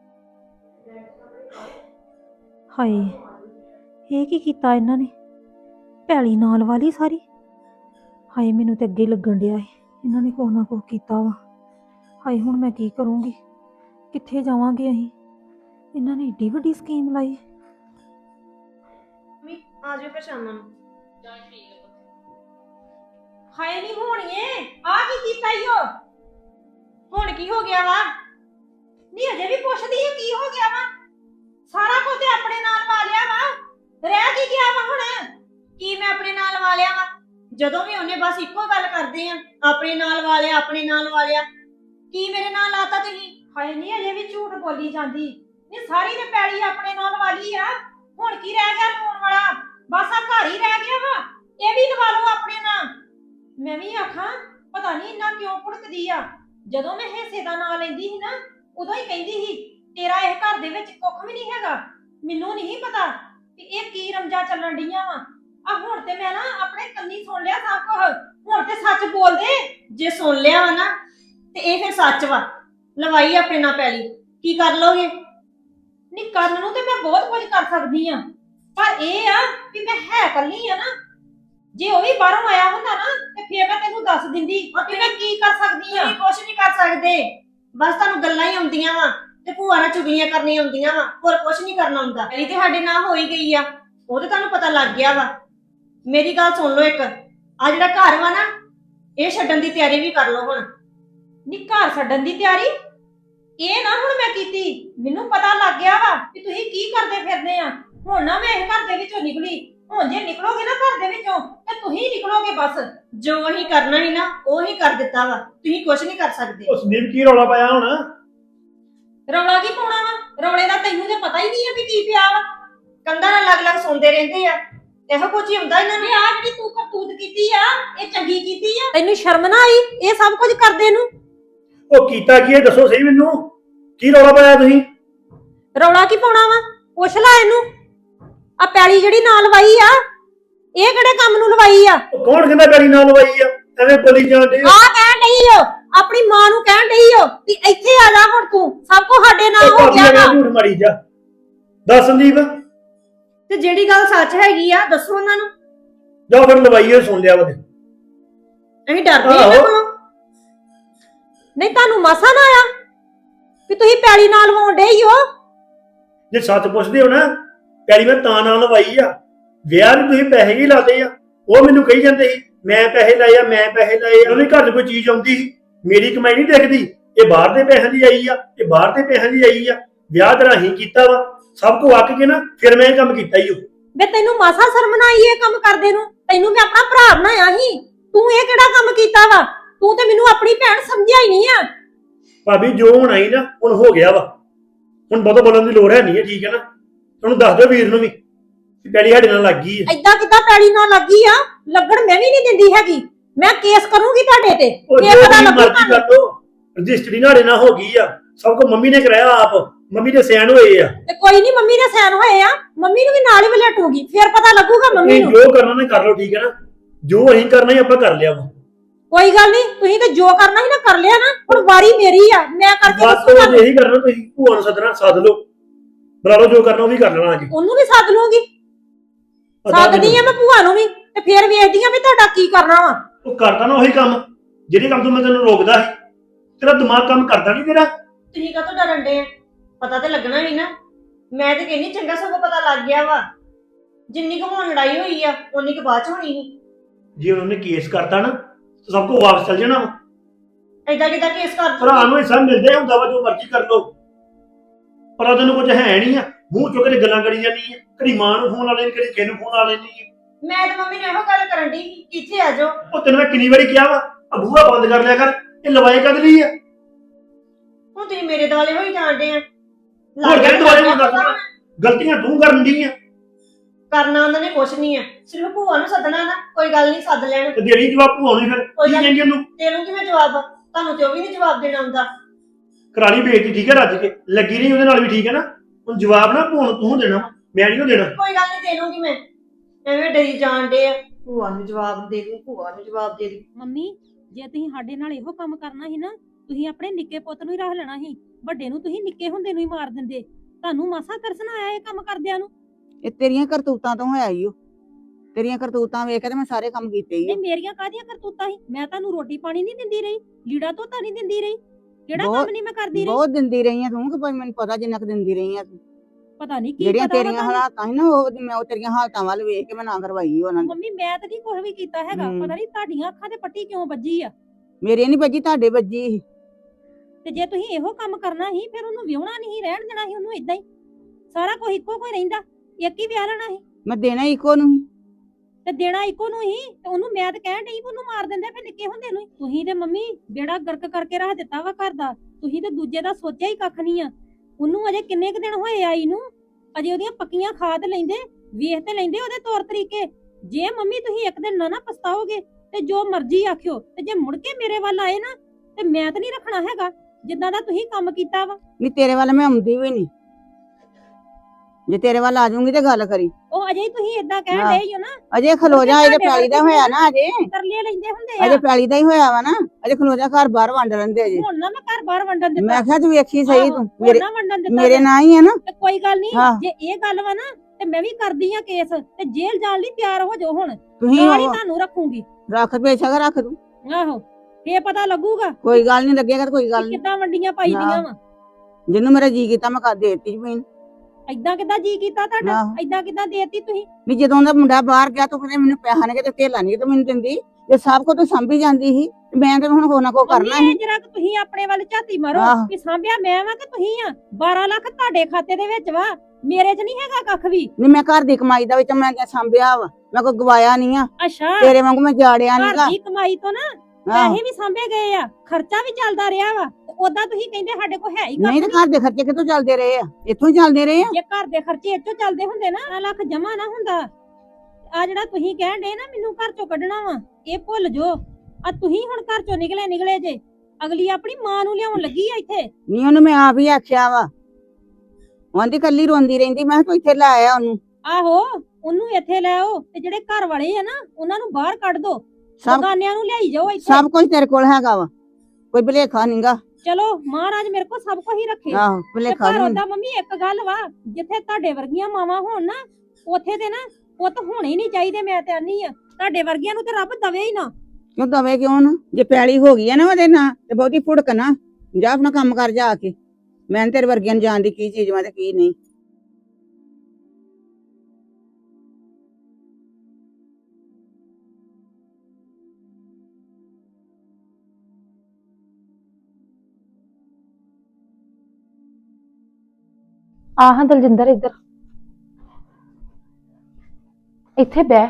Speaker 1: ਹਾਏ ਇਹ ਕੀ ਕੀਤਾ ਇਹਨਾਂ ਨੇ? ਪੈਲੀ ਨਾਲ ਵਾਲੀ ਸਾਰੀ। ਹਾਏ ਮੈਨੂੰ ਤੇ ਅੱਗੇ ਲੱਗਣ ਡਿਆ ਏ ਇਹਨਾਂ ਨੇ ਕੁਛ ਨਾ ਕੁਛ ਕੀਤਾ ਵਾ। ਹਾਏ ਹੁਣ ਮੈਂ ਕੀ ਕਰੂੰਗੀ? ਕਿੱਥੇ ਜਾਵਾਂਗੇ ਅਸੀਂ? ਇਹਨਾਂ ਨੇ ਏਡੀ ਵੱਡੀ ਸਕੀਮ ਲਾਈ।
Speaker 3: ਆ ਜਾਓ ਫਿਰ ਸ਼ਾਮ ਨੂੰ।
Speaker 5: ਚੱਲ ਠੀਕ ਆ ਪੁੱਤ।
Speaker 1: ਹਾਏ ਨਹੀਂ ਹੋਣੀਏ, ਆ ਕੀ ਕੀਤਾ ਈ ਓ? ਹੁਣ ਕੀ ਹੋ ਗਿਆ ਵਾ? ਨਹੀਂ ਅਜੇ ਵੀ ਪੁੱਛਦੀ ਏ ਕੀ ਹੋ ਗਿਆ ਵਾ? ਸਾਰਾ ਕੁਝ ਤੇ ਆਪਣੇ ਨਾਲ ਵਾ ਲਿਆ ਵਾ, ਰਹਿ ਕੀ ਗਿਆ ਵਾ ਹੁਣ? ਕੀ ਮੈਂ ਆਪਣੇ ਨਾਲ ਵਾ ਲਿਆ ਵਾ? ਜਦੋਂ ਵੀ ਉਹਨੇ ਬਸ ਇੱਕੋ ਗੱਲ ਕਰਦੇ ਆ, ਆਪਣੇ ਨਾਲ ਵਾ ਲਿਆ, ਆਪਣੇ ਨਾਲ ਵਾ ਲਿਆ। ਕੀ ਮੇਰੇ ਨਾਲ ਲਾਤਾ ਤੁਸੀਂ? ਹਾਏ ਨਹੀਂ ਅਜੇ ਵੀ ਝੂਠ ਬੋਲੀ ਜਾਂਦੀ। ਨਹੀਂ ਸਾਰੀ ਤੇ ਪੈਲੀ ਆਪਣੇ ਨਾਲ ਵਾਲੀ ਆ, ਹੁਣ ਕੀ ਰਹਿ ਗਿਆ ਲਵਾਉਣ ਵਾਲਾ? ਬਸ ਆ ਘਰ ਹੀ ਰਹਿ ਗਿਆ ਵਾ, ਇਹ ਵੀ ਲਵਾ ਲਓ ਆਪਣੇ ਨਾਲ। ਮੈਂ ਵੀ ਆਖਾਂ ਪਤਾ ਨਹੀਂ ਇੰਨਾ ਕਿਉਂ ਭੁੜਕਦੀ ਆ। ਜਦੋਂ ਮੈਂ ਹਿੱਸੇ ਦਾ ਨਾਂ ਲੈਂਦੀ ਸੀ ਨਾ, ਉਦੋਂ ਹੀ ਕਹਿੰਦੀ ਸੀ ਤੇਰਾ ਇਹ ਘਰ ਦੇ ਵਿੱਚ ਕੁੱਖ ਵੀ ਨਹੀਂ ਹੈਗਾ। ਮੈਨੂੰ ਨਹੀਂ ਪਤਾ ਕਿ ਇਹ ਕੀ ਰਮਜਾ ਚੱਲਣ ਡੀਆਂ ਵਾ। ਆ ਹੁਣ ਤੇ ਮੈਂ ਨਾ ਆਪਣੇ ਕੰਨੀ ਸੁਣ ਲਿਆ ਸਭ ਕੁਝ। ਹੁਣ ਤੇ ਸੱਚ ਬੋਲ ਦੇ, ਜੇ ਸੁਣ ਲਿਆ ਵਾ ਨਾ ਤੇ ਇਹ ਫਿਰ ਸੱਚ ਵਾ। ਲਵਾਈ ਆਪਣੇ ਨਾਲ ਪੈਲੀ, ਕੀ ਕਰ ਲੋਗੇ? ਨਹੀਂ ਕਰਨ ਨੂੰ ਤੇ ਮੈਂ ਬਹੁਤ ਕੁਝ ਕਰ ਸਕਦੀ ਆ, ਪਰ ਇਹ ਆ ਕਿ ਮੈਂ ਹੈ ਕੱਲੀ ਆ ਨਾ। ਜੇ ਉਹ ਵੀ ਬਾਹਰੋਂ ਆਇਆ ਹੁੰਦਾ ਨਾ ਤੇ ਫੇਰ ਮੈਂ ਤੈਨੂੰ ਦੱਸ ਦਿੰਦੀ ਕਿ ਮੈਂ ਕੀ ਕਰ ਸਕਦੀ ਆ। ਕੁਝ ਨਹੀਂ ਕਰ ਸਕਦੇ, ਬਸ ਤੁਹਾਨੂੰ ਗੱਲਾਂ ਹੀ ਆਉਂਦੀਆਂ ਵਾ ਤੇ ਭੂਆ ਨਾਲ ਚੁਗਲੀਆਂ ਕਰਨੀਆਂ ਆਉਂਦੀਆਂ ਵਾ, ਹੋਰ ਕੁਝ ਨਹੀਂ ਕਰਨਾ ਹੁੰਦਾ। ਪਹਿਲੀ ਤੇ ਸਾਡੇ ਨਾਲ ਹੋਈ ਗਈ ਆ, ਉਹ ਤੇ ਤੁਹਾਨੂੰ ਪਤਾ ਲੱਗ ਗਿਆ ਵਾ। ਮੇਰੀ ਗੱਲ ਸੁਣ ਲਓ, ਇੱਕ ਆ ਜਿਹੜਾ ਘਰ ਵਾ ਨਾ, ਇਹ ਛੱਡਣ ਦੀ ਤਿਆਰੀ ਵੀ ਕਰ ਲਓ ਹੁਣ। ਨਹੀਂ ਘਰ ਛੱਡਣ ਦੀ ਤਿਆਰੀ ਇਹ ਨਾ ਹੁਣ ਮੈਂ ਕੀਤੀ, ਮੈਨੂੰ ਪਤਾ ਲੱਗ ਗਿਆ ਵਾ ਕਿ ਤੁਸੀਂ ਕੀ ਕਰਦੇ ਫਿਰਦੇ ਆ। ਹੁਣ ਨਾ ਮੈਂ ਇਹ ਘਰ ਦੇ ਵਿੱਚੋਂ ਨਿਕਲੀ, ਹੁਣ ਜੇ ਨਿਕਲੋਗੇ ਨਾ ਘਰ ਦੇ ਵਿੱਚੋਂ ਤੇ ਤੁਸੀਂ ਨਿਕਲੋਗੇ ਬਸ। ਜੋ ਅਸੀਂ ਕਰਨਾ ਸੀ ਨਾ ਉਹ ਹੀ ਕਰ ਦਿੱਤਾ ਵਾ, ਤੁਸੀਂ ਕੁਝ ਨਹੀਂ ਕਰ ਸਕਦੇ।
Speaker 2: ਉਸ ਨੇ ਕੀ ਰੌਲਾ ਪਾਇਆ ਹੁਣ?
Speaker 1: ਰੌਲਾ ਕੀ ਪਾਉਣਾ ਵਾ? ਰੌਲੇ ਦਾ ਤੈਨੂੰ ਤੇ ਪਤਾ ਹੀ ਨਹੀਂ ਆ ਵੀ ਕੀ ਪਿਆ ਵਾ। ਕੰਧਾਂ ਨਾਲ ਲੱਗ-ਲੱਗ ਸੌਂਦੇ ਰਹਿੰਦੇ ਆ, ਇਹੋ ਕੁਝ ਹੀ ਹੁੰਦਾ ਇਹਨਾਂ ਨੇ। ਆ ਜਿਹੜੀ ਤੂੰ ਕਰਤੂਤ ਕੀਤੀ ਆ ਇਹ ਚੰਗੀ ਕੀਤੀ ਆ? ਤੈਨੂੰ ਸ਼ਰਮ ਨਾ ਆਈ ਇਹ ਸਭ ਕੁਝ ਕਰਦੇ ਨੂੰ?
Speaker 2: ਉਹ ਕੀਤਾ ਕੀ ਹੈ ਦੱਸੋ ਸਹੀ ਮੈਨੂੰ, ਕੀ ਰੌਲਾ ਪਾਇਆ ਤੁਸੀਂ?
Speaker 1: ਰੌਲਾ ਕੀ ਪਾਉਣਾ ਵਾ? ਪੁੱਛ ਲੈ ਇਹਨੂੰ। ਆ ਪੈਲੀ ਜਿਹੜੀ ਨਾਲ ਲਵਾਈ ਆ, ਇਹ ਕਿਹੜੇ ਕੰਮ ਨੂੰ ਲਵਾਈ ਆ?
Speaker 2: ਉਹ ਕੌਣ ਕਹਿੰਦਾ ਪੈਲੀ ਨਾਲ ਲਵਾਈ ਆ? ਐਵੇਂ ਬੋਲੀ ਜਾਂਦੇ
Speaker 1: ਆ ਕਹਿਣ ਡਈ ਓ, ਆਪਣੀ ਮਾਂ ਨੂੰ ਕਹਿਣ ਡਈ ਓ ਵੀ ਇੱਥੇ ਆ ਜਾ ਹੁਣ, ਤੂੰ ਸਭ ਕੁਝ ਸਾਡੇ ਨਾਲ ਹੋ ਗਿਆ ਵਾ।
Speaker 2: ਝੂਠ ਮਾਰੀ ਜਾ। ਦੱਸ ਸੰਦੀਪ,
Speaker 1: ਤੇ ਜਿਹੜੀ ਗੱਲ ਸੱਚ ਹੈਗੀ ਆ ਦੱਸੋ ਉਹਨਾਂ ਨੂੰ।
Speaker 2: ਜਾਓ ਫਿਰ ਲਵਾਈਏ, ਸੁਣ ਲਿਆ ਵਾ ਤੇ।
Speaker 1: ਅਸੀਂ ਡਰਦੇ ਆ ਨਾ। ਨਹੀਂ ਤੁਹਾਨੂੰ ਮਸਾ ਨਾ ਆਇਆ ਵੀ ਤੁਸੀਂ ਪੈਲੀ ਨਾਲ ਲਵਾਉਣ ਡਏ ਈ ਹੋ?
Speaker 2: ਜੇ ਸੱਚ ਪੁੱਛਦੇ ਹੋ ਨਾ, ਪੈਲੀ ਮੈਂ ਤਾਂ ਨਾਲ ਲਵਾਈ ਆ, ਵਿਆਹ ਨੂੰ ਤੁਸੀਂ ਪੈਸੇ ਹੀ ਲਾਦੇ ਆ। ਉਹ ਮੈਨੂੰ ਕਹੀ ਜਾਂਦੇ ਸੀ ਮੈਂ ਪੈਸੇ ਲਾਏ ਆ, ਮੈਂ ਪੈਸੇ ਲਾਏ ਆ। ਉਹਨੇ ਘਰ 'ਚ ਕੋਈ ਚੀਜ਼ ਆਉਂਦੀ ਸੀ, ਮੇਰੀ ਕਮਾਈ ਨਹੀਂ ਦਿਖਦੀ। ਇਹ ਬਾਹਰ ਦੇ ਪੈਸਿਆਂ ਦੀ ਆਈ ਆ, ਇਹ ਬਾਹਰ ਦੇ ਪੈਸਿਆਂ ਦੀ ਆਈ ਆ। ਵਿਆਹ ਤੇਰਾ ਹੀ ਕੀਤਾ ਵਾ, ਸਭ ਕੁ ਅੱਕ ਕੇ ਨਾ ਫਿਰ ਮੈਂ ਇਹ ਕੰਮ ਕੀਤਾ ਹੀ।
Speaker 1: ਵੇ ਤੈਨੂੰ ਮਾਸਾ ਸ਼ਰਮ ਨਾ ਆਈ ਇਹ ਕੰਮ ਕਰਦੇ ਨੂੰ? ਤੈਨੂੰ ਮੈਂ ਆਪਣਾ ਭਰਾ ਬਣਾਇਆ ਸੀ, ਤੂੰ ਇਹ ਕਿਹੜਾ ਕੰਮ ਕੀਤਾ ਵਾ? ਤੂੰ ਤੇ ਮੈਨੂੰ ਆਪਣੀ ਭੈਣ ਸਮਝਿਆ ਹੀ ਨਹੀਂ ਆ।
Speaker 2: ਭਾਬੀ ਜੋ ਹੋਣਾ ਹੀ ਨਾ ਹੁਣ ਹੋ ਗਿਆ ਵਾ, ਹੁਣ ਬਹੁਤਾ ਬੋਲਣ ਦੀ ਲੋੜ ਹੈ ਨਹੀਂ ਹੈ, ਠੀਕ ਹੈ ਨਾ? ਉਹਨੂੰ ਦੱਸ ਦਿਓ ਵੀਰ ਨੂੰ ਵੀ ਪੈਲੀ ਸਾਡੇ ਨਾਲ ਲੱਗ ਗਈ ਹੈ।
Speaker 1: ਏਦਾਂ ਕਿੱਦਾਂ ਪੈਲੀ ਨਾਲ ਲੱਗੀ ਆ? ਲੱਗਣ ਮੈਂ ਵੀ ਨਹੀਂ ਦਿੰਦੀ ਹੈਗੀ, ਮੈਂ ਕੇਸ ਕਰੂੰਗੀ ਤੁਹਾਡੇ ਤੇ।
Speaker 2: ਉਹ
Speaker 1: ਫੇਰ
Speaker 2: ਜੋ
Speaker 1: ਪਤਾ
Speaker 2: ਵੀ
Speaker 1: ਲੱਗੂ
Speaker 2: ਮਰਜ਼ੀ ਕਰ ਲਓ, ਰਜਿਸਟਰੀ ਸਾਡੇ ਨਾਲ ਹੋ ਗਈ ਆ, ਸਭ ਕੁਝ ਮੰਮੀ ਨੇ ਕਰਾਇਆ ਆਪ, ਮੰਮੀ ਦੇ ਸੈਨ ਹੋਏ ਆ।
Speaker 1: ਤੇ ਕੋਈ ਨਹੀਂ, ਮੰਮੀ ਦੇ ਸਾਈਨ ਹੋਏ ਆ, ਮੰਮੀ ਨੂੰ ਵੀ ਨਾਲ ਹੀ ਵਲੇਟੂਗੀ, ਫੇਰ ਪਤਾ ਲੱਗੂਗਾ ਮੰਮੀ
Speaker 2: ਤੁਸੀਂ
Speaker 1: ਨੂੰ।
Speaker 2: ਜੋ ਕਰਨਾ ਨਾ ਕਰ ਲਓ, ਠੀਕ ਹੈ ਨਾ? ਜੋ ਅਸੀਂ ਕਰਨਾ ਹੀ ਆਪਾਂ ਕਰ ਲਿਆ ਵਾ।
Speaker 1: ਕੋਈ ਗੱਲ ਨਹੀਂ, ਤੁਸੀਂ ਤੇ ਜੋ ਕਰਨਾ ਸੀ ਨਾ ਕਰ ਲਿਆ ਨਾ, ਹੁਣ ਵਾਰੀ ਮੇਰੀ ਆ, ਮੈਂ ਕਰਕੇ
Speaker 2: ਬਸ
Speaker 1: ਦੱਸੂਗਾ।
Speaker 2: ਉਹ ਇਹੀ ਕਰਨਾ, ਤੁਸੀਂ ਭੂਆ ਨੂੰ ਸੱਦਣਾ, ਸੱਦ ਲਓ, ਬੁਲਾ ਲਓ, ਜੋ ਕਰਨਾ ਉਹ ਵੀ ਕਰ ਲੈਣਾ ਅੱਜ।
Speaker 1: ਉਹਨੂੰ ਵੀ ਸੱਦ ਲੂੰਗੀ, ਸੱਦਦੀ ਆ ਮੈਂ ਭੂਆ ਨੂੰ ਵੀ, ਤੇ ਫੇਰ ਵੇਖਦੀ ਆ ਵੀ ਤੁਹਾਡਾ ਕੀ ਕਰਨਾ ਵਾ।
Speaker 2: ਉਹ ਕਰਦਾ ਨਾ ਉਹੀ ਕੰਮ ਜਿਹੜੇ ਕੰਮ ਤੋਂ ਮੈਂ ਤੈਨੂੰ ਰੋਕਦਾ ਸੀ। ਤੇਰਾ ਦਿਮਾਗ ਕੰਮ ਕਰਦਾ ਨਹੀਂ ਤੇਰਾ?
Speaker 1: ਤੁਸੀਂ ਕਾਹਤੋਂ ਡਰਨ ਡੇ ਆ? ਪਤਾ ਤੇ ਲੱਗਣਾ ਹੀ ਨਾ। ਮੈਂ ਤੇ ਕਹਿੰਨੀ ਚੰਗਾ ਸਗੋਂ ਪਤਾ ਲੱਗ ਗਿਆ ਵਾ। ਜਿੰਨੀ ਕੁ ਹੁਣ ਲੜਾਈ ਹੋਈ ਆ ਉਨੀ ਕੁ ਬਾਅਦ ਚ ਹੋਣੀ ਸੀ।
Speaker 2: ਜੇ ਉਹਨਾਂ ਨੇ ਕੇਸ ਕਰਤਾ ਨਾ ਤਾਂ ਸਭ ਕੁਝ ਵਾਪਸ ਚੱਲ ਜਾਣਾ ਵਾ।
Speaker 1: ਏਦਾਂ ਕਿਦਾਂ ਕੇਸ ਕਰ
Speaker 2: ਭਰਾ ਨੂੰ ਹਿੱਸਾ ਮਿਲਦਾ ਹੀ ਹੁੰਦਾ ਵਾ, ਜੋ ਮਰਜ਼ੀ ਕਰ ਲਓ। ਪਰ ਤੈਨੂੰ ਕੁਝ ਹੈ ਨਹੀਂ ਆ, ਮੂੰਹ ਚੁੱਕ ਕੇ ਗੱਲਾਂ ਕਰੀ ਜਾਂਦੀ ਆ, ਕਦੀ ਮਾਂ ਨੂੰ ਫੋਨ ਲਾ ਲੈਣੀ, ਕਦੀ ਕਿਸੇ ਨੂੰ ਫੋਨ ਲਾ ਲੈਣੀ।
Speaker 1: ਮੈਂ ਤੇ ਮੰਮੀ ਨੂੰ ਇਹੋ ਗੱਲ ਕਰਨ ਦੀ ਕਿ ਇੱਥੇ ਆ ਜਾਓ।
Speaker 2: ਉਹ ਤੈਨੂੰ ਮੈਂ ਕਿੰਨੀ ਵਾਰੀ ਕਿਹਾ ਵਾ ਆ ਬੂਹਾ ਬੰਦ ਕਰ ਲਿਆ ਕਰ, ਇਹ ਲਵਾਏ ਕਦ ਲਈ ਆ?
Speaker 1: ਹੁਣ ਤੁਸੀਂ ਮੇਰੇ ਦੁਆਲੇ ਹੋਈ ਜਾਣਦੇ ਆ
Speaker 2: ਹੋਰ ਕਿਹੜੇ ਦੁਆਲੇ ਹੋਣ ਦੱਸ? ਗਲਤੀਆਂ ਤੂੰ ਕਰਨ ਦੀ ਆ
Speaker 1: ਕਰਨਾ ਉਹਨਾਂ ਨੇ ਕੁਛ ਨਹੀਂ ਆ, ਸਿਰਫ ਭੂਆ ਨੂੰ ਸੱਦਣਾ ਨਾ, ਕੋਈ ਗੱਲ ਨਹੀਂ ਸੱਦ ਲੈਣ।
Speaker 2: ਤੇ ਦੇਣੀ ਜਵਾਬ ਭੂਆਉਣੀ ਫਿਰ
Speaker 1: ਕੋਈ
Speaker 2: ਕੀ
Speaker 1: ਗੱਲ
Speaker 2: ਕਹਿੰਦੀ ਉਹਨੂੰ?
Speaker 1: ਦੇ ਲੂੰਗੀ ਮੈਂ ਜਵਾਬ, ਤੁਹਾਨੂੰ ਤੇ ਉਹ ਵੀ ਨਹੀਂ ਜਵਾਬ ਦੇਣਾ ਆਉਂਦਾ।
Speaker 2: ਕਰਾਲੀ ਬੇਇੱਜ਼ਤੀ ਠੀਕ ਹੈ ਰੱਜ ਕੇ, ਲੱਗੀ ਨਹੀਂ ਉਹਦੇ ਨਾਲ ਵੀ ਠੀਕ ਹੈ ਨਾ। ਹੁਣ ਜਵਾਬ ਨਾ ਭੂਆ ਨੂੰ ਤੂੰ ਦੇਣਾ, ਮੈਂ ਨਹੀਂ ਦੇਣਾ।
Speaker 1: ਕੋਈ ਗੱਲ ਨਹੀਂ ਦੇ ਲੂੰਗੀ ਮੈਂ, ਐਵੇਂ ਡਰੀ ਜਾਣਦੇ ਆ, ਭੂਆ ਨੂੰ ਜਵਾਬ ਦੇ ਦੂੰ, ਭੂਆ ਨੂੰ ਜਵਾਬ ਦੇ ਦੂੰ।
Speaker 6: ਮੰਮੀ ਜੇ ਤੁਸੀਂ ਸਾਡੇ ਨਾਲ ਇਹੋ ਕੰਮ ਕਰਨਾ ਸੀ ਨਾ, ਤੁਸੀਂ ਆਪਣੇ ਨਿੱਕੇ ਪੁੱਤ ਨੂੰ ਹੀ ਰੱਖ ਲੈਣਾ ਸੀ। ਵੱਡੇ ਨੂੰ ਤੁਸੀਂ ਨਿੱਕੇ ਹੁੰਦੇ ਨੂੰ ਹੀ ਮਾਰ ਦਿੰਦੇ। ਤੁਹਾਨੂੰ ਮਾਸਾ ਤਰਸ ਨਾ ਆਇਆ ਇਹ ਕੰਮ ਕਰਦਿਆਂ ਨੂੰ?
Speaker 4: ਇਹ ਤੇਰੀਆਂ ਕਰਤੂਤਾਂ ਤੋਂ ਹੋਇਆ ਈ ਓ। ਤੇਰੀਆਂ ਕਰਤੂਤਾਂ ਵੇਖ ਕੇ ਤੇ ਮੈਂ ਸਾਰੇ ਕੰਮ ਕੀਤੇ ਹੀ
Speaker 6: ਨਹੀਂ ਮੇਰੀਆਂ ਕਾਹਦੀਆਂ ਕਰਤੂਤਾਂ ਸੀ? ਮੈਂ ਤੁਹਾਨੂੰ ਰੋਟੀ ਪਾਣੀ ਨਹੀਂ ਦਿੰਦੀ ਰਹੀ, ਲੀੜਾ ਧੋਤਾ ਨਹੀਂ ਦਿੰਦੀ ਰਹੀ, ਕਿਹੜਾ
Speaker 4: ਬਹੁਤ-
Speaker 6: ਕੰਮ ਨਹੀਂ ਮੈਂ ਕਰਦੀ ਰਹੀ?
Speaker 4: ਬਹੁਤ ਦਿੰਦੀ ਰਹੀ ਆ ਤੂੰ, ਕਿ ਭਾਈ ਮੈਨੂੰ ਪਤਾ ਜਿੰਨਾ ਕੁ ਦਿੰਦੀ ਰਹੀ ਆ ਤੂੰ।
Speaker 6: ਪਤਾ ਨਹੀਂ ਕੀ
Speaker 4: ਜਿਹੜੀਆਂ
Speaker 6: ਪਤਾ ਵਾ
Speaker 4: ਤੇਰੀਆਂ
Speaker 6: ਤੁਹਾਨੂੰ।
Speaker 4: ਹਾਲਾਤਾਂ ਸੀ ਨਾ, ਉਹ ਤੇਰੀਆਂ ਹਾਲਤਾਂ ਵੱਲ ਵੇਖ ਕੇ ਮੈਂ ਨਾ ਕਰਵਾਈ ਉਹਨਾਂ ਨੇ।
Speaker 6: ਮੰਮੀ ਮੈਂ ਤਾਂ ਨਹੀਂ ਕੁਝ ਵੀ ਕੀਤਾ ਹੈਗਾ।
Speaker 4: ਹੂੰ।
Speaker 6: ਪਤਾ ਨਹੀਂ ਤੁਹਾਡੀਆਂ ਅੱਖਾਂ ਤੇ ਪੱਟੀ ਕਿਉਂ ਵੱਜੀ ਆ।
Speaker 4: ਮੇਰੇ ਨਹੀਂ ਵੱਜੀ, ਤੁਹਾਡੇ ਵੱਜੀ ਸੀ।
Speaker 6: ਤੇ ਜੇ ਤੁਸੀਂ ਇਹੋ ਕੰਮ ਕਰਨਾ ਸੀ ਫਿਰ ਉਹਨੂੰ ਵਿਆਹਣਾ ਨਹੀਂ ਰਹਿਣ ਦੇਣਾ ਸੀ ਉਹਨੂੰ ਇਦਾਂ ਹੀ। ਸਾਰਾ ਕੁਝ ਇੱਕੋ ਕੋਈ ਰਹਿੰਦਾ, ਇੱਕ ਹੀ ਵਿਆਹ ਲੈਣਾ ਸੀ
Speaker 4: ਮੈਂ ਦੇਣਾ ਇੱਕੋ ਨੂੰ ਸੀ।
Speaker 6: ਤੇ ਦੇਣਾ ਇੱਕੋ ਨੂੰ ਹੀ। ਤੇ ਉਹਨੂੰ ਮੈਂ ਤਾਂ ਕਹਿਣ ਡਈ ਉਹਨੂੰ ਮਾਰ ਦਿੰਦੇ ਫਿਰ ਨਿੱਕੇ ਹੁੰਦੇ ਨੂੰ ਹੀ। ਤੁਸੀਂ ਤੇ ਮੰਮੀ ਬੇੜਾ ਗਰਕ ਕਰਕੇ ਰੱਖ ਦਿੱਤਾ ਵਾ ਘਰ ਦਾ। ਤੁਸੀਂ ਤੇ ਦੂਜੇ ਦਾ ਸੋਚਿਆ ਹੀ ਕੱਖ ਨਹੀਂ ਆ। ਉਹਨੂੰ ਅਜੇ ਕਿੰਨੇ ਕੁ ਦਿਨ ਹੋਏ ਆਈ ਨੂੰ, ਅਜੇ ਉਹਦੀਆਂ ਪੱਕੀਆਂ ਖਾ ਤੇ ਲੈਂਦੇ, ਵੇਖ ਤੇ ਲੈਂਦੇ ਉਹਦੇ ਤੌਰ ਤਰੀਕੇ। ਜੇ ਮੰਮੀ ਤੁਸੀਂ ਇੱਕ ਦਿਨ ਨਾ ਪਛਤਾਓਗੇ ਤੇ ਜੋ ਮਰਜ਼ੀ ਆਖਿਓ, ਤੇ ਜੇ ਮੁੜ ਕੇ ਮੇਰੇ ਵੱਲ ਆਏ ਨਾ ਤੇ ਮੈਂ ਤਾਂ ਨਹੀਂ ਰੱਖਣਾ ਹੈਗਾ ਜਿੱਦਾਂ ਦਾ ਤੁਸੀਂ ਕੰਮ ਕੀਤਾ ਵਾ।
Speaker 4: ਨਹੀਂ ਤੇਰੇ ਵੱਲ ਮੈਂ ਆਉਂਦੀ ਵੀ ਨਹੀਂ। ਜੇ ਤੇਰੇ ਵੱਲ ਆ ਜਾਊਂਗੀ ਤੇ ਗੱਲ ਕਰੀ।
Speaker 6: ਉਹ ਅਜੇ ਹੀ ਤੁਸੀਂ ਇਦਾਂ ਕਹਿਣ
Speaker 4: ਹਾਂ।
Speaker 6: ਡਏ ਹੀ ਹੋ ਨਾ,
Speaker 4: ਅਜੇ ਖਲੋ ਜਾ, ਇਹਦੇ ਪੈਲੀ ਦਾ ਹੋਇਆ ਨਾ, ਅਜੇ
Speaker 6: ਤਰਲੇ ਲੈਂਦੇ ਹੁੰਦੇ
Speaker 4: ਅਜੇ
Speaker 6: ਆ।
Speaker 4: ਪੈਲੀ ਦਾ ਹੀ ਹੋਇਆ ਵਾ ਨਾ। ਅਜੇ ਖਲੋ ਜਾ, ਘਰ ਬਾਹਰ ਵੰਡ ਲੈਂਦੇ ਅਜੇ।
Speaker 6: ਹੁਣ ਨਾ ਮੈਂ ਘਰ ਬਾਹਰ ਵੰਡਣ ਦਿੱਤਾ।
Speaker 4: ਮੈਂ ਕਿਹਾ ਤੂੰ ਵੇਖੀ ਸਹੀ,
Speaker 6: ਆਹੋ,
Speaker 4: ਤੂੰ
Speaker 6: ਹੁਣ
Speaker 4: ਮੇਰੇ
Speaker 6: ਨਾ ਵੰਡਣ ਦਿੱਤਾ
Speaker 4: ਮੇਰੇ ਨਾਂ ਹੀ ਆ ਨਾ।
Speaker 6: ਤੇ ਕੋਈ ਗੱਲ ਨਹੀਂ।
Speaker 4: ਹਾਂ।
Speaker 6: ਜੇ ਇਹ ਗੱਲ ਵਾ ਨਾ ਤੇ ਮੈਂ ਵੀ ਕਰਦੀ ਆ ਕੇਸ, ਤੇ ਜੇਲ੍ਹ ਜਾਣ ਲਈ ਤਿਆਰ ਹੋ ਜਾਓ ਹੁਣ।
Speaker 4: ਤੁਸੀਂ
Speaker 6: ਨਾਲ ਹੀ
Speaker 4: ਉਹ
Speaker 6: ਤੁਹਾਨੂੰ ਰੱਖੂਗੀ।
Speaker 4: ਰੱਖ ਬੇਸ਼ੱਕ ਰੱਖ ਤੂੰ,
Speaker 6: ਆਹੋ ਫੇਰ ਪਤਾ ਲੱਗੂਗਾ
Speaker 4: ਕੋਈ ਗੱਲ ਨਹੀਂ, ਲੱਗੇਗਾ ਤਾਂ ਕੋਈ ਗੱਲ
Speaker 6: ਕਿ
Speaker 4: ਨਹੀਂ।
Speaker 6: ਕਿੱਦਾਂ ਵੰਡੀਆਂ ਪਾਈ ਦੀਆਂ ਵਾ।
Speaker 4: ਜਿਹਨੂੰ ਮੇਰਾ ਜੀ ਕੀਤਾ ਮੈਂ ਕਰ ਦੇਤੀ ਜ਼ਮੀਨ।
Speaker 6: ਏਦਾਂ ਕਿੱਦਾਂ ਜੀ ਕੀਤਾ ਤੁਹਾਡਾ?
Speaker 4: ਆਹੋ।
Speaker 6: ਏਦਾਂ ਕਿੱਦਾਂ ਦੇਤੀ ਤੁਸੀਂ?
Speaker 4: ਨਹੀਂ ਜਦੋਂ ਦਾ ਮੁੰਡਾ ਬਾਹਰ ਗਿਆ ਤੂੰ ਕਹਿੰਦੇ ਮੈਨੂੰ ਪੈਸਾ ਨਹੀਂ, ਕਿਤੇ ਧੇਲਾ ਨਹੀਂ ਤੇ ਮੈਨੂੰ ਦਿੰਦੀ। ਜੇ ਸਭ ਕੁਝ ਤੂੰ ਸਾਂਭੀ ਜਾਂਦੀ ਸੀ ਤੇ ਮੈਂ ਤਾਂ ਹੁਣ ਕੋ ਨਾ ਕੋ ਕਰਨਾ
Speaker 6: ਮੰਮੀ
Speaker 4: ਸੀ।
Speaker 6: ਇਹ ਜਰਾ ਕਿ ਤੁਸੀਂ ਆਪਣੇ ਵੱਲ ਝਾਤੀ ਮਾਰੋ
Speaker 4: ਆਹੋ।
Speaker 6: ਕਿ ਸਾਂਭਿਆ ਮੈਂ ਵਾਂ ਕਿ ਤੁਸੀਂ ਆ। 12 ਲੱਖ ਤੁਹਾਡੇ ਖਾਤੇ ਦੇ ਵਿੱਚ ਵਾ, ਮੇਰੇ 'ਚ ਨਹੀਂ ਹੈਗਾ ਕੱਖ ਵੀ।
Speaker 4: ਨਹੀਂ ਮੈਂ ਘਰ ਦੀ ਕਮਾਈ ਦਾ ਵਿੱਚ ਮੈਂ ਸਾਂਭਿਆ ਵਾ, ਮੈਂ ਕੋਈ ਗਵਾਇਆ ਨਹੀਂ ਆ।
Speaker 6: ਅੱਛਾ
Speaker 4: ਤੇਰੇ ਵਾਂਗੂ ਮੈਂ ਜਾੜਿਆ
Speaker 6: ਘਰ
Speaker 4: ਨਹੀਂਗਾ।
Speaker 6: ਦੀ ਕਮਾਈ ਤੋਂ ਨਾ ਪੈਸੇ ਵੀ ਸਾਂਭੇ ਗਏ ਆ, ਖਰਚਾ ਵੀ ਚੱਲਦਾ ਰਿਹਾ ਵਾ। ਉਦਾਂ ਤੁਸੀਂ ਕਹਿੰਦੇ ਸਾਡੇ ਕੋਲ ਹੈ ਹੀ
Speaker 4: ਨਹੀਂ
Speaker 6: ਕੱਖ
Speaker 4: ਤੇ ਘਰ ਦੇ ਖਰਚੇ ਕਿੱਥੋਂ ਚੱਲਦੇ ਰਹੇ ਆ? ਇੱਥੋਂ ਹੀ ਚੱਲਦੇ ਰਹੇ ਆ।
Speaker 6: ਜੇ ਘਰ ਦੇ ਖਰਚੇ ਇੱਥੋਂ ਚੱਲਦੇ ਹੁੰਦੇ ਨਾ 12 ਲੱਖ ਜਮਾ ਨਾ ਹੁੰਦਾ। ਆ ਜਿਹੜਾ ਤੁਸੀਂ ਕਹਿਣ ਦੇ ਨਾ ਮੈਨੂੰ ਘਰ ਚੋਂ ਕੱਢਣਾ ਵਾ, ਇਹ ਭੁੱਲ ਜੋ। ਆ ਤੁਸੀਂ ਹੁਣ ਘਰ ਚੋਂ ਨਿਕਲੇ ਜੇ, ਅਗਲੀ ਆਪਣੀ ਮਾਂ ਨੂੰ ਲਿਆਉਣ ਲੱਗੀ ਆ ਇੱਥੇ।
Speaker 4: ਨਹੀਂ ਉਹਨੂੰ ਮੈਂ ਆਪ ਹੀ ਆਖਿਆ ਵਾ, ਉਹਦੀ ਕੱਲੀ ਰੋਂਦੀ ਰਹਿੰਦੀ। ਮੈਂ ਕਿਹਾ ਤੂੰ ਇੱਥੇ ਲੈ ਆਇਆ ਉਹਨੂੰ।
Speaker 6: ਆਹੋ ਉਹਨੂੰ ਇੱਥੇ ਲੈ ਆਓ, ਤੇ ਜਿਹੜੇ ਘਰ ਵਾਲੇ ਆ ਨਾ ਉਹਨਾਂ ਨੂੰ ਬਾਹਰ ਕੱਢ ਦੋ।
Speaker 4: ਸਭ
Speaker 6: ਬਗਾਨਿਆਂ ਨੂੰ ਲਿਆਈ ਜਾਓ ਇੱਥੇ।
Speaker 4: ਸਭ ਕੁਝ ਤੇਰੇ ਕੋਲ ਹੈਗਾ ਵਾ, ਕੋਈ ਭੁਲੇਖਾ ਨਹੀਂਗਾ।
Speaker 6: ਚਲੋ ਮਹਾਰਾਜ ਮੇਰੇ ਕੋਲ ਸਭ ਕੁਝ ਹੀ ਰੱਖੇ।
Speaker 4: ਆਹੋ
Speaker 6: ਤੇ
Speaker 4: ਭੁਲੇਖਾ
Speaker 6: ਪਰ
Speaker 4: ਨਹੀਂ।
Speaker 6: ਉਹਦਾ ਮੰਮੀ ਇੱਕ ਗੱਲ ਵਾ, ਜਿੱਥੇ ਤੁਹਾਡੇ ਵਰਗੀਆਂ ਮਾਵਾਂ ਹੋਣ ਨਾ, ਉੱਥੇ ਤੇ ਨਾ ਪੁੱਤ ਹੋਣੇ ਹੀ ਨਹੀਂ ਚਾਹੀਦੇ। ਮੈਂ ਤੇ ਆਨੀ ਆ ਤੁਹਾਡੇ ਵਰਗੀਆਂ ਨੂੰ ਤੇ ਰੱਬ ਦਵੇ ਹੀ ਨਾ।
Speaker 4: ਕਿਉਂ ਦਵੇ ਕਿਉਂ ਨਾ? ਜੇ ਪੈਲੀ ਹੋ ਗਈ ਆ ਨਾ ਉਹਦੇ ਨਾਲ ਤੇ ਬਹੁਤੀ ਫੁੜਕ ਨਾ, ਜਾ ਆਪਣਾ ਕੰਮ ਕਰ ਜਾ ਕੇ। ਮੈਂ ਨੀ ਤੇਰੇ ਵਰਗੀਆਂ ਨੂੰ ਜਾਣਦੀ ਕੀ ਚੀਜ਼ ਵਾ ਤੇ ਕੀ ਨਹੀਂ।
Speaker 7: ਆਹਾਂ ਦਲਜਿੰਦਰ ਇੱਧਰ ਇੱਥੇ ਬਹਿ।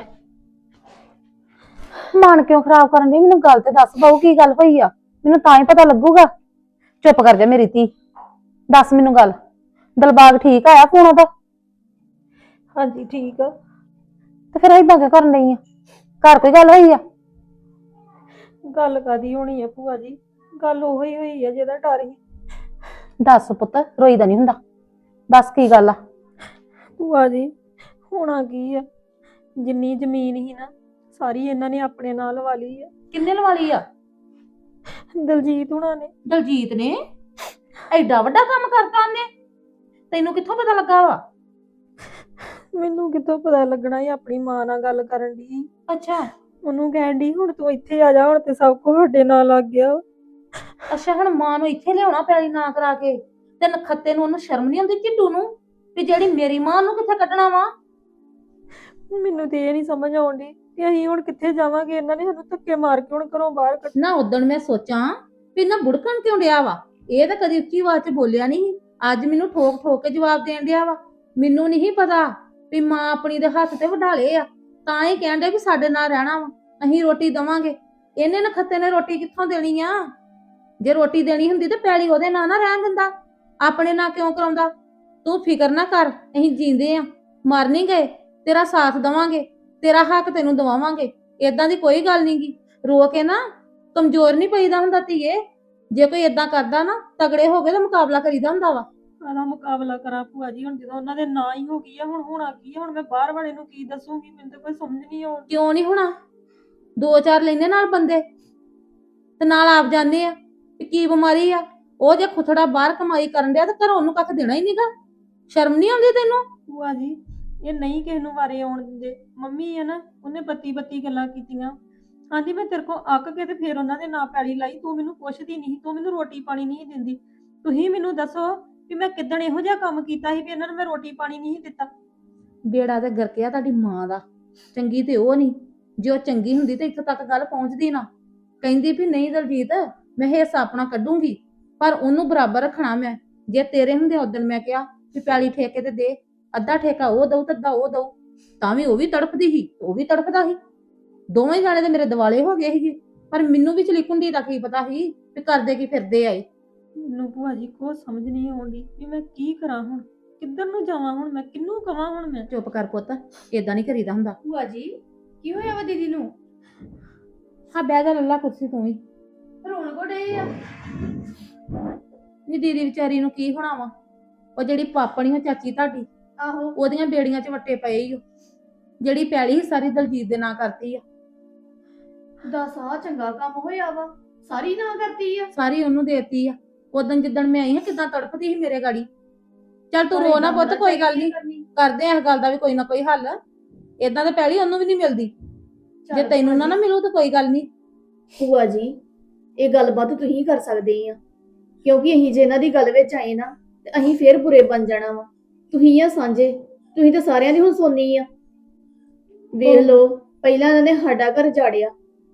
Speaker 7: ਮਨ ਕਿਉਂ ਖਰਾਬ ਕਰਨ ਦੀ? ਮੈਨੂੰ ਗੱਲ ਤੇ ਦੱਸ ਬਾਊ, ਕੀ ਗੱਲ ਹੋਈ ਆ? ਮੈਨੂੰ ਤਾਂ ਹੀ ਪਤਾ ਲੱਗੂਗਾ। ਚੁੱਪ ਕਰ ਜਾ ਮੇਰੀ ਧੀ, ਦੱਸ ਮੈਨੂੰ ਗੱਲ। ਦਿਲਬਾਗ ਠੀਕ ਆਇਆ ਫੋਨ ਉਹਦਾ?
Speaker 1: ਹਾਂਜੀ ਠੀਕ ਆ।
Speaker 7: ਤੇ ਫਿਰ ਏਦਾਂ ਕਿਉਂ ਕਰਨ ਡਈ ਆ? ਘਰ ਕੋਈ ਗੱਲ ਹੋਈ ਆ?
Speaker 1: ਗੱਲ ਕਾਦੀ ਹੋਣੀ ਆ ਭੂਆ ਜੀ, ਗੱਲ ਉਹੀ ਹੋਈ ਆ ਜਿਹਦਾ ਡਰ ਸੀ।
Speaker 7: ਦੱਸ ਪੁੱਤ, ਰੋਈਦਾ ਨਹੀਂ ਹੁੰਦਾ, ਦੱਸ ਕੀ ਗੱਲ ਆ?
Speaker 1: ਭੂਆ ਜੀ ਹੋਣਾ ਕੀ ਆ, ਜਿੰਨੀ ਜ਼ਮੀਨ ਸੀ ਨਾ ਸਾਰੀ ਇਹਨਾਂ ਨੇ ਆਪਣੇ ਨਾਲ ਲਵਾ ਲਈ ਆ।
Speaker 7: ਕਿੰਨੇ ਲਵਾ ਲਈ ਆ?
Speaker 1: ਦਲਜੀਤ ਹੁਣਾਂ ਨੇ।
Speaker 7: ਦਲਜੀਤ ਨੇ ਐਡਾ ਵੱਡਾ ਕੰਮ ਕਰਤਾ ਉਹਨੇ? ਤੈਨੂੰ ਕਿੱਥੋਂ ਪਤਾ ਲੱਗਾ ਵਾ?
Speaker 1: ਮੈਨੂੰ ਕਿੱਥੋਂ ਪਤਾ ਲੱਗਣਾ ਸੀ, ਆਪਣੀ ਮਾਂ ਨਾਲ ਗੱਲ ਕਰਨ ਦੀ।
Speaker 7: ਅੱਛਾ
Speaker 1: ਉਹਨੂੰ ਕਹਿਣ ਦੀ ਹੁਣ ਤੂੰ ਇੱਥੇ ਆ ਜਾ, ਹੁਣ ਤੇ ਸਭ ਕੁਝ ਸਾਡੇ ਨਾਲ ਲੱਗ ਗਿਆ।
Speaker 7: ਅੱਛਾ ਹੁਣ ਮਾਂ ਨੂੰ ਇੱਥੇ ਲਿਆਉਣਾ ਪੈਲੀ ਨਾ ਕਰਾ ਕੇ? ਤੇ ਨਖੱਤੇ ਨੂੰ ਉਹਨੂੰ ਸ਼ਰਮ ਨਹੀਂ ਆਉਂਦੀ ਝਿੱਟੂ ਨੂੰ ਵੀ ਜਿਹੜੀ ਮੇਰੀ ਮਾਂ ਨੂੰ ਕਿੱਥੇ ਕੱਢਣਾ ਵਾ?
Speaker 1: ਮੈਨੂੰ ਤੇ ਇਹ ਨਹੀਂ ਸਮਝ ਆਉਂਦੀ ਕਿ ਅਸੀਂ ਹੁਣ ਕਿੱਥੇ ਜਾਵਾਂਗੇ। ਇਹਨਾਂ ਨੇ ਸਾਨੂੰ ਧੱਕੇ ਮਾਰ ਕੇ ਹੁਣ ਘਰੋਂ ਬਾਹਰ ਕੱਢ।
Speaker 7: ਨਾ ਉਦਣ ਮੈਂ ਸੋਚਾਂ ਵੀ ਨਾ ਬੁੜਕਣ ਕਿਉਂ ਡਿਆ ਵਾ? ਇਹ ਤਾਂ ਕਦੀ ਉੱਚੀ ਆਵਾਜ਼ 'ਚ ਬੋਲਿਆ ਨਹੀਂ, ਅੱਜ ਮੈਨੂੰ ਠੋਕ ਠੋਕ ਕੇ ਜਵਾਬ ਦੇਣ ਡਿਆ ਵਾ। ਮੈਨੂੰ ਨਹੀਂ ਪਤਾ ਵੀ ਮਾਂ ਆਪਣੀ ਦੇ ਹੱਥ ਤੇ ਵਢਾਲੇ ਆ, ਤਾਂ ਹੀ ਕਹਿਣ ਡਿਆ ਵੀ ਸਾਡੇ ਨਾਲ ਰਹਿਣਾ ਵਾ, ਅਸੀਂ ਰੋਟੀ ਦਵਾਂਗੇ।
Speaker 6: ਇਹਨੇ ਨਖੱਤੇ ਨੇ ਰੋਟੀ ਕਿੱਥੋਂ ਦੇਣੀ ਆ? ਜੇ ਰੋਟੀ ਦੇਣੀ ਹੁੰਦੀ ਤੇ ਪੈਲੀ ਉਹਦੇ ਨਾਂ ਨਾ ਰਹਿਣ ਦਿੰਦਾ, ਆਪਣੇ ਨਾਂ ਕਿਉਂ ਕਰਾਉਂਦਾ? ਤੂੰ ਫਿਕਰ ਨਾ ਕਰ, ਅਸੀਂ ਜੀਂਦੇ ਆ, ਮਰ ਨਹੀਂ ਗਏ। ਤੇਰਾ ਸਾਥ ਦਵਾਂਗੇ, ਤੇਰਾ ਹੱਕ ਤੈਨੂੰ ਦਵਾਵਾਂਗੇ। ਏਦਾਂ ਦੀ ਕੋਈ ਗੱਲ ਨੀ ਗੀ। ਰੋ ਕੇ ਨਾ ਕਮਜ਼ੋਰ ਨਹੀਂ ਪਈਦਾ ਹੁੰਦਾ ਧੀਏ। ਜੇ ਕੋਈ ਏਦਾਂ ਕਰਦਾ ਨਾ, ਤਗੜੇ ਹੋ ਕੇ ਤਾਂ ਮੁਕਾਬਲਾ ਕਰੀਦਾ ਹੁੰਦਾ ਵਾ।
Speaker 3: ਕਾਹਦਾ ਮੁਕਾਬਲਾ ਕਰਾਂ ਭੂਆ ਜੀ, ਹੁਣ ਜਦੋਂ ਉਹਨਾਂ ਦੇ ਨਾਂ ਹੀ ਹੋ ਗਈ ਆ, ਹੁਣ ਹੋਣਾ ਕੀ ਆ? ਹੁਣ ਮੈਂ ਬਾਹਰ ਵਾਲੇ ਨੂੰ ਕੀ ਦੱਸੂਗੀ? ਮੈਨੂੰ ਤਾਂ ਕੋਈ ਸਮਝ ਨਹੀਂ ਆਉਂਦੀ।
Speaker 6: ਕਿਉਂ ਨਹੀਂ ਹੋਣਾ? 2-4 ਲੈਨੇ ਨਾਲ ਬੰਦੇ ਤੇ ਨਾਲ ਆਪ ਜਾਂਦੇ ਆ ਕਿ ਕੀ ਬਿਮਾਰੀ ਆ। ਉਹ ਜੇ ਖੁਥੜਾ ਬਾਹਰ ਕਮਾਈ ਕਰਨ ਡਿਆ ਤੇ ਘਰੋਂ ਉਹਨੂੰ ਕੱਖ ਦੇਣਾ ਹੀ ਨਹੀਂਗਾ। ਸ਼ਰਮ ਨਹੀਂ ਆਉਂਦੀ ਤੈਨੂੰ?
Speaker 3: ਭੂਆ ਜੀ ਇਹ ਨਹੀਂ ਕਿਸੇ ਨੂੰ ਵਾਰੇ ਆਉਣ ਦਿੰਦੇ। ਮੰਮੀ ਆ ਨਾ, ਉਹਨੇ ਬੱਤੀ ਗੱਲਾਂ ਕੀਤੀਆਂ। ਆਂਦੀ ਮੈਂ ਤੇਰੇ ਕੋਲ ਅੱਕ ਕੇ ਤੇ ਫੇਰ ਉਹਨਾਂ ਦੇ ਨਾਂ ਪੈਲੀ ਲਾਈ। ਤੂੰ ਮੈਨੂੰ ਪੁੱਛਦੀ ਨਹੀਂ, ਤੂੰ ਮੈਨੂੰ ਰੋਟੀ ਪਾਣੀ ਨਹੀਂ ਦਿੰਦੀ। ਤੁਸੀਂ ਮੈਨੂੰ ਦੱਸੋ ਵੀ ਮੈਂ ਕਿੱਦਣ ਇਹੋ ਜਿਹਾ ਕੰਮ ਕੀਤਾ ਸੀ ਵੀ ਇਹਨਾਂ ਨੂੰ ਮੈਂ ਰੋਟੀ ਪਾਣੀ ਨਹੀਂ ਦਿੱਤਾ?
Speaker 6: ਬੇੜਾ ਤੇ ਗਰਕਿਆ ਤੁਹਾਡੀ ਮਾਂ ਦਾ। ਚੰਗੀ ਤੇ ਉਹ ਨਹੀਂ। ਜੇ ਉਹ ਚੰਗੀ ਹੁੰਦੀ ਤੇ ਇੱਥੋਂ ਤੱਕ ਗੱਲ ਪਹੁੰਚਦੀ ਨਾ। ਕਹਿੰਦੀ ਵੀ ਨਹੀਂ ਦਲਜੀਤ, ਮੈਂ ਹਿੱਸਾ ਆਪਣਾ ਕੱਢੂੰਗੀ, ਪਰ ਉਹਨੂੰ ਬਰਾਬਰ ਰੱਖਣਾ ਮੈਂ। ਜੇ ਤੇਰੇ ਹੁੰਦੇ ਉਦੋਂ ਮੈਂ ਕਿਹਾ ਵੀ ਪੈਲੀ ਠੇਕੇ ਤੇ ਦੇ, ਅੱਧਾ ਠੇਕਾ ਉਹ ਦਊ ਤੇ ਅੱਧਾ ਉਹ ਦਊ, ਤਾਂ ਵੀ ਉਹ ਵੀ ਤੜਫਦੀ ਸੀ, ਉਹ ਵੀ ਤੜਫਦਾ ਸੀ। ਦੋਵੇਂ ਜਾਣੇ ਤੇ ਮੇਰੇ ਦਿਵਾਲੇ ਹੋ ਗਏ ਸੀਗੇ। ਪਰ ਮੈਨੂੰ ਵੀ ਚਲੀਕੁੰਡੀ ਦਾ ਕੀ ਪਤਾ ਸੀ ਵੀ ਕਰਦੇ ਕੀ ਫਿਰਦੇ ਆਏ।
Speaker 3: ਮੈਨੂੰ ਭੂਆ ਜੀ ਕੋਈ ਸਮਝ ਨਹੀਂ ਆਉਂਦੀ ਵੀ ਮੈਂ ਕੀ ਕਰਾਂ ਹੁਣ, ਕਿੱਧਰ ਨੂੰ ਜਾਵਾਂ ਹੁਣ, ਮੈਂ ਕਿਹਨੂੰ ਕਵਾਂ ਹੁਣ ਮੈਂ?
Speaker 6: ਚੁੱਪ ਕਰ ਪੁੱਤ, ਏਦਾਂ ਨਹੀਂ ਕਰੀਦਾ ਹੁੰਦਾ।
Speaker 8: ਭੂਆ ਜੀ ਕੀ ਹੋਇਆ ਵਾ ਦੀਦੀ ਨੂੰ?
Speaker 6: ਹਾਂ ਬਹਿ ਜਾ ਲੱਲਾ ਕੁਰਸੀ ਤੂੰ ਵੀ।
Speaker 8: ਰੋਣ ਕੋ ਡਏ ਆ?
Speaker 6: ਨੀ ਦੀਦੀ ਵਿਚਾਰੀ ਨੂੰ ਕੀ ਹੋਣਾ ਵਾ? ਉਹ ਜਿਹੜੀ ਪਾਪਣੀ ਉਹ ਚਾਚੀ ਤੁਹਾਡੀ,
Speaker 8: ਆਹੋ
Speaker 6: ਉਹਦੀਆਂ ਬੇੜੀਆਂ 'ਚ ਵੱਟੇ ਪਏ ਈ ਓ। ਜਿਹੜੀ ਪੈਲੀ ਸੀ ਸਾਰੀ ਦਲਜੀਤ ਦੇ ਨਾਂ ਕਰਤੀ ਆ।
Speaker 8: ਦੱਸ ਆ ਚੰਗਾ ਕੰਮ ਹੋਇਆ ਵਾ, ਸਾਰੀ ਨਾ ਕਰਤੀ ਆ।
Speaker 6: ਸਾਰੀ ਉਹਨੂੰ ਦੇਤੀ ਆ। ਉਦੋਂ ਜਿੱਦਣ ਮੈਂ ਆਈ ਹਾਂ ਕਿਦਾਂ ਤੜਫਦੀ ਸੀ ਮੇਰੇ ਗਾੜੀ। ਚੱਲ ਤੂੰ ਰੋ ਨਾ ਪੁੱਤ, ਕੋਈ ਗੱਲ ਨਹੀਂ, ਕਰਦੇ ਆ ਇਸ ਗੱਲ ਦਾ ਵੀ ਕੋਈ ਨਾ ਕੋਈ ਹੱਲ। ਏਦਾਂ ਤਾਂ ਪੈਲੀ ਉਹਨੂੰ ਵੀ ਨਹੀਂ ਮਿਲਦੀ। ਜੇ ਤੈਨੂੰ ਨਾ ਮਿਲੂ ਤਾਂ ਕੋਈ ਗੱਲ ਨਹੀਂ।
Speaker 8: ਭੂਆ ਜੀ ਇਹ ਗੱਲਬਾਤ ਤੁਸੀਂ ਕਰ ਸਕਦੇ ਆ, ਕਿਉਂਕਿ ਅਸੀਂ ਜੇ ਇਹਨਾਂ ਦੀ ਗੱਲ ਵਿੱਚ ਆਏ ਨਾ ਤੇ ਅਸੀਂ ਫੇਰ ਬੁਰੇ ਬਣ ਜਾਣਾ ਵਾ। ਤੁਸੀਂ ਆ ਸਾਂਝੇ, ਤੁਸੀਂ ਤਾਂ ਸਾਰਿਆਂ ਦੀ ਹੁਣ ਸੁਣਨੀ ਆ। ਵੇਖ ਲਓ, ਪਹਿਲਾਂ ਇਹਨਾਂ ਨੇ ਸਾਡਾ ਘਰ ਜਾੜਿਆ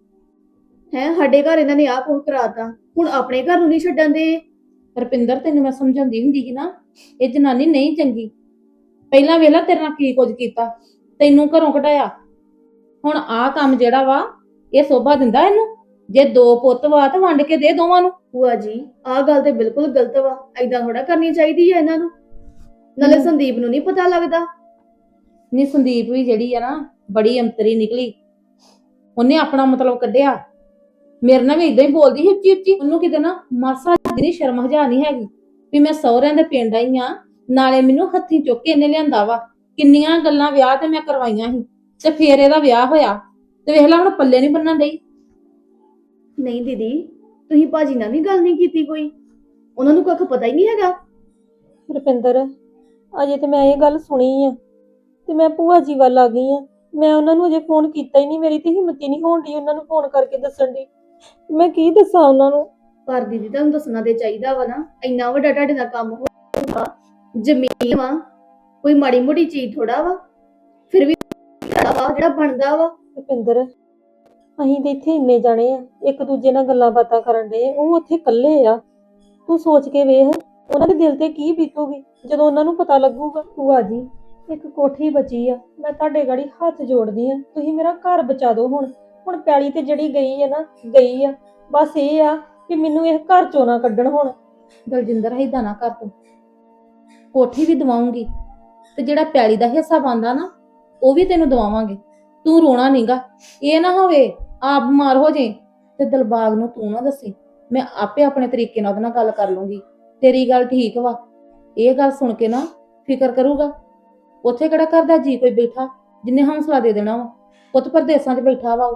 Speaker 8: ਹੈ, ਸਾਡੇ ਘਰ ਇਹਨਾਂ ਨੇ ਆਹ ਕੁਝ ਕਰਾਤਾ, ਹੁਣ ਆਪਣੇ ਘਰ ਨੂੰ ਨਹੀਂ ਛੱਡਣ ਦੇ।
Speaker 6: ਰੁਪਿੰਦਰ ਤੈਨੂੰ ਮੈਂ ਸਮਝਾਉਂਦੀ ਹੁੰਦੀ ਸੀ ਨਾ, ਇਹ ਜਨਾਨੀ ਨਹੀਂ ਚੰਗੀ। ਪਹਿਲਾਂ ਵੇਲਾ ਤੇਰੇ ਨਾਲ ਕੀ ਕੁਝ ਕੀਤਾ, ਤੈਨੂੰ ਘਰੋਂ ਕਢਾਇਆ। ਹੁਣ ਆਹ ਕੰਮ ਜਿਹੜਾ ਵਾ ਇਹ ਸੋਭਾ ਦਿੰਦਾ ਇਹਨੂੰ? ਜੇ 2 ਪੁੱਤ ਵਾ ਤਾਂ ਵੰਡ ਕੇ ਦੇ ਦੋਵਾਂ ਨੂੰ।
Speaker 8: ਭੂਆ ਜੀ ਆਹ ਗੱਲ ਤੇ ਬਿਲਕੁਲ ਗਲਤ ਵਾ, ਏਦਾਂ ਥੋੜਾ ਕਰਨੀ ਚਾਹੀਦੀ ਹੈ ਇਹਨਾਂ ਨੂੰ। ਨਾਲੇ ਸੰਦੀਪ ਨੂੰ ਨਹੀਂ ਪਤਾ ਲੱਗਦਾ।
Speaker 6: ਨੀ ਸੰਦੀਪ ਵੀ ਜਿਹੜੀ ਆ ਨਾ ਬੜੀ ਅੰਤਰੀ ਨਿਕਲੀ। ਉਹਨੇ ਆਪਣਾ ਮਤਲਬ ਕੱਢਿਆ। ਮੇਰੇ ਨਾਲ ਵੀ ਇਦਾਂ ਹੀ ਬੋਲਦੀ ਸੀ ਉੱਚੀ ਉੱਚੀ। ਉਹਨੂੰ ਕਿਤੇ ਨਾ ਮਾਸਾ ਜਿਹੀ ਸ਼ਰਮ ਹਜਾ ਨਹੀਂ ਹੈਗੀ ਵੀ ਮੈਂ ਸਹੁਰਿਆਂ ਦੇ ਪਿੰਡ ਆਈ ਆ, ਨਾਲੇ ਮੈਨੂੰ ਹੱਥੀਂ ਚੁੱਕ ਕੇ ਇਹਨੇ ਲਿਆਂਦਾ ਵਾ। ਕਿੰਨੀਆਂ ਗੱਲਾਂ ਵਿਆਹ ਤੇ ਮੈਂ ਕਰਵਾਈਆਂ ਸੀ ਤੇ ਫੇਰ ਇਹਦਾ ਵਿਆਹ ਹੋਇਆ ਤੇ ਵੇਖ ਲੈ ਹੁਣ ਪੱਲੇ ਨਹੀਂ ਬੰਨਣ ਡਈ।
Speaker 8: ਨਹੀਂ ਦੀਦੀ, ਤੁਸੀਂ ਭਾਜੀ ਨਾਲ ਵੀ ਗੱਲ ਨਹੀਂ ਕੀਤੀ ਕੋਈ? ਉਹਨਾਂ ਨੂੰ ਕੁਝ ਪਤਾ ਹੀ ਨਹੀਂ ਹੈਗਾ?
Speaker 3: ਰੁਪਿੰਦਰ ਅਜੇ ਤੇ ਮੈਂ ਇਹ ਗੱਲ ਸੁਣੀ ਆ ਤੇ ਮੈਂ ਭੂਆ ਜੀ ਵੱਲ ਆ ਗਈ ਆ। ਮੈਂ ਉਹਨਾਂ ਨੂੰ ਅਜੇ ਫੋਨ ਕੀਤਾ ਹੀ ਨਹੀਂ। ਮੇਰੀ ਤੇ ਹਿੰਮਤ ਹੀ ਨਹੀਂ ਹੋਣ ਡਈ ਉਹਨਾਂ ਨੂੰ ਫੋਨ ਕਰਕੇ ਦੱਸਣ ਦੀ। ਮੈਂ ਕੀ ਦੱਸਾਂ ਉਹਨਾਂ ਨੂੰ?
Speaker 8: ਪਰ ਦੀਦੀ ਤੁਹਾਨੂੰ ਦੱਸਣਾ ਤੇ ਚਾਹੀਦਾ ਵਾ ਨਾ, ਇੰਨਾ ਵੱਡਾ ਤੁਹਾਡੇ ਨਾਲ ਕੰਮ ਹੋਊਗਾ, ਜ਼ਮੀਨ ਵਾ, ਕੋਈ ਮਾੜੀ ਮੋਟੀ ਚੀਜ਼ ਥੋੜਾ ਵਾ। ਫਿਰ ਵੀ ਜਿਹੜਾ ਬਣਦਾ ਵਾ।
Speaker 3: ਰੁਪਿੰਦਰ ਅਸੀਂ ਤੇ ਇੱਥੇ ਇੰਨੇ ਜਾਣੇ ਆ, ਇੱਕ ਦੂਜੇ ਨਾਲ ਗੱਲਾਂ ਬਾਤਾਂ ਕਰਨ ਦੇ, ਉਹ ਉੱਥੇ ਇਕੱਲੇ ਆ। ਤੂੰ ਸੋਚ ਕੇ ਵੇਖ ਉਹਨਾਂ ਦੇ ਦਿਲ ਤੇ ਕੀ ਬੀਤੂਗੀ ਜਦੋਂ ਉਹਨਾਂ ਨੂੰ ਪਤਾ ਲੱਗੂਗਾ। ਭੂਆ ਜੀ ਇੱਕ ਕੋਠੀ ਬਚੀ ਆ, ਮੈਂ ਤੁਹਾਡੇ ਗਾੜੀ ਹੱਥ ਜੋੜਦੀ ਆ, ਤੁਸੀਂ ਮੇਰਾ ਘਰ ਬਚਾ ਦਿਓ। ਹੁਣ ਪੈਲੀ ਤੇ ਜਿਹੜੀ ਗਈ ਆ ਨਾ ਗਈ ਆ। ਬਸ ਇਹ ਆ ਕਿ ਮੈਨੂੰ ਇਹ ਘਰ ਚੋਂ ਨਾ ਕੱਢਣ ਹੁਣ।
Speaker 6: ਦਲਜਿੰਦਰ ਏਦਾਂ ਨਾ ਕਰ ਤੂੰ। ਕੋਠੀ ਵੀ ਦਵਾਉਂਗੀ ਤੇ ਜਿਹੜਾ ਪੈਲੀ ਦਾ ਹਿੱਸਾ ਬਣਦਾ ਨਾ ਉਹ ਵੀ ਤੈਨੂੰ ਦਵਾਵਾਂਗੇ। ਤੂੰ ਰੋਣਾ ਨਹੀਂਗਾ। ਇਹ ਨਾ ਹੋਵੇ ਆਪ ਬਿਮਾਰ ਹੋ ਜੇ ਤੇ ਦਿਲਬਾਗ ਨੂੰ ਤੂੰ ਨਾ ਦੱਸੀ। ਮੈਂ ਆਪੇ ਆਪਣੇ ਤਰੀਕੇ ਨਾਲ ਉਹਦੇ ਨਾਲ ਗੱਲ ਕਰ ਲੂੰਗੀ। ਤੇਰੀ ਗੱਲ ਠੀਕ ਵਾ। ਇਹ ਗੱਲ ਸੁਣ ਕੇ ਨਾ ਫਿਕਰ ਕਰੂਗਾ। ਉੱਥੇ ਕਿਹੜਾ ਕਰਦਾ ਜੀ ਕੋਈ ਬੈਠਾ ਜਿੰਨੇ ਹੌਸਲਾ ਦੇ ਦੇਣਾ ਵਾ? ਪੁੱਤ ਪਰਦੇਸਾਂ 'ਚ ਬੈਠਾ ਵਾ ਉਹ।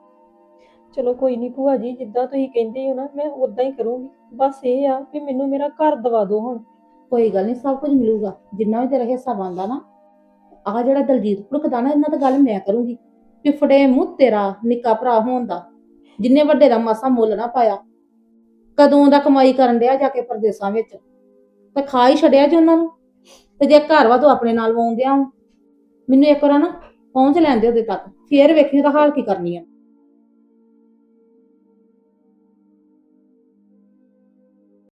Speaker 3: ਚਲੋ ਕੋਈ ਨਹੀਂ ਭੂਆ ਜੀ, ਜਿੱਦਾਂ ਤੁਸੀਂ ਕਹਿੰਦੇ ਹੋ ਨਾ ਮੈਂ ਉਦਾਂ ਹੀ ਕਰੂੰਗੀ। ਬਸ ਇਹ ਆ ਕਿ ਮੈਨੂੰ ਮੇਰਾ ਘਰ ਦਵਾ ਦਿਓ ਹੁਣ।
Speaker 6: ਕੋਈ ਗੱਲ ਨਹੀਂ, ਸਭ ਕੁਝ ਮਿਲੂਗਾ ਜਿੰਨਾ ਵੀ ਤੇਰਾ ਹਿੱਸਾ ਬਣਦਾ ਨਾ। ਆਹ ਜਿਹੜਾ ਦਲਜੀਤ ਭੁੜਕਦਾ ਨਾ, ਇਹਨਾਂ ਤਾਂ ਗੱਲ ਮੈਂ ਕਰੂੰਗੀ। ਪਿਫੜੇ ਮੂੰਹ ਤੇਰਾ ਨਿੱਕਾ ਭਰਾ ਹੋਣ ਦਾ, ਜਿੰਨੇ ਵੱਡੇ ਦਾ ਮਾਸਾ ਮੁੱਲ ਨਾ ਪਾਇਆ। ਕਦੋਂ ਦਾ ਕਮਾਈ ਕਰਨ ਡਿਆ ਜਾ ਕੇ ਪਰਦੇਸਾਂ ਵਿੱਚ, ਤੇ ਖਾ ਹੀ ਛੱਡਿਆ ਜੀ ਉਹਨਾਂ ਨੂੰ। ਤੇ ਜੇ ਘਰ ਵਾ ਤੂੰ ਆਪਣੇ ਨਾਲ ਵਾਉਂਦਿਆ। ਮੈਨੂੰ ਇੱਕ ਵਾਰ ਨਾ ਪਹੁੰਚ ਲੈਂਦੇ ਉਹਦੇ ਤੱਕ, ਫੇਰ ਵੇਖੀ ਉਹਦਾ ਹਾਲ ਕੀ ਕਰਨੀ ਆ।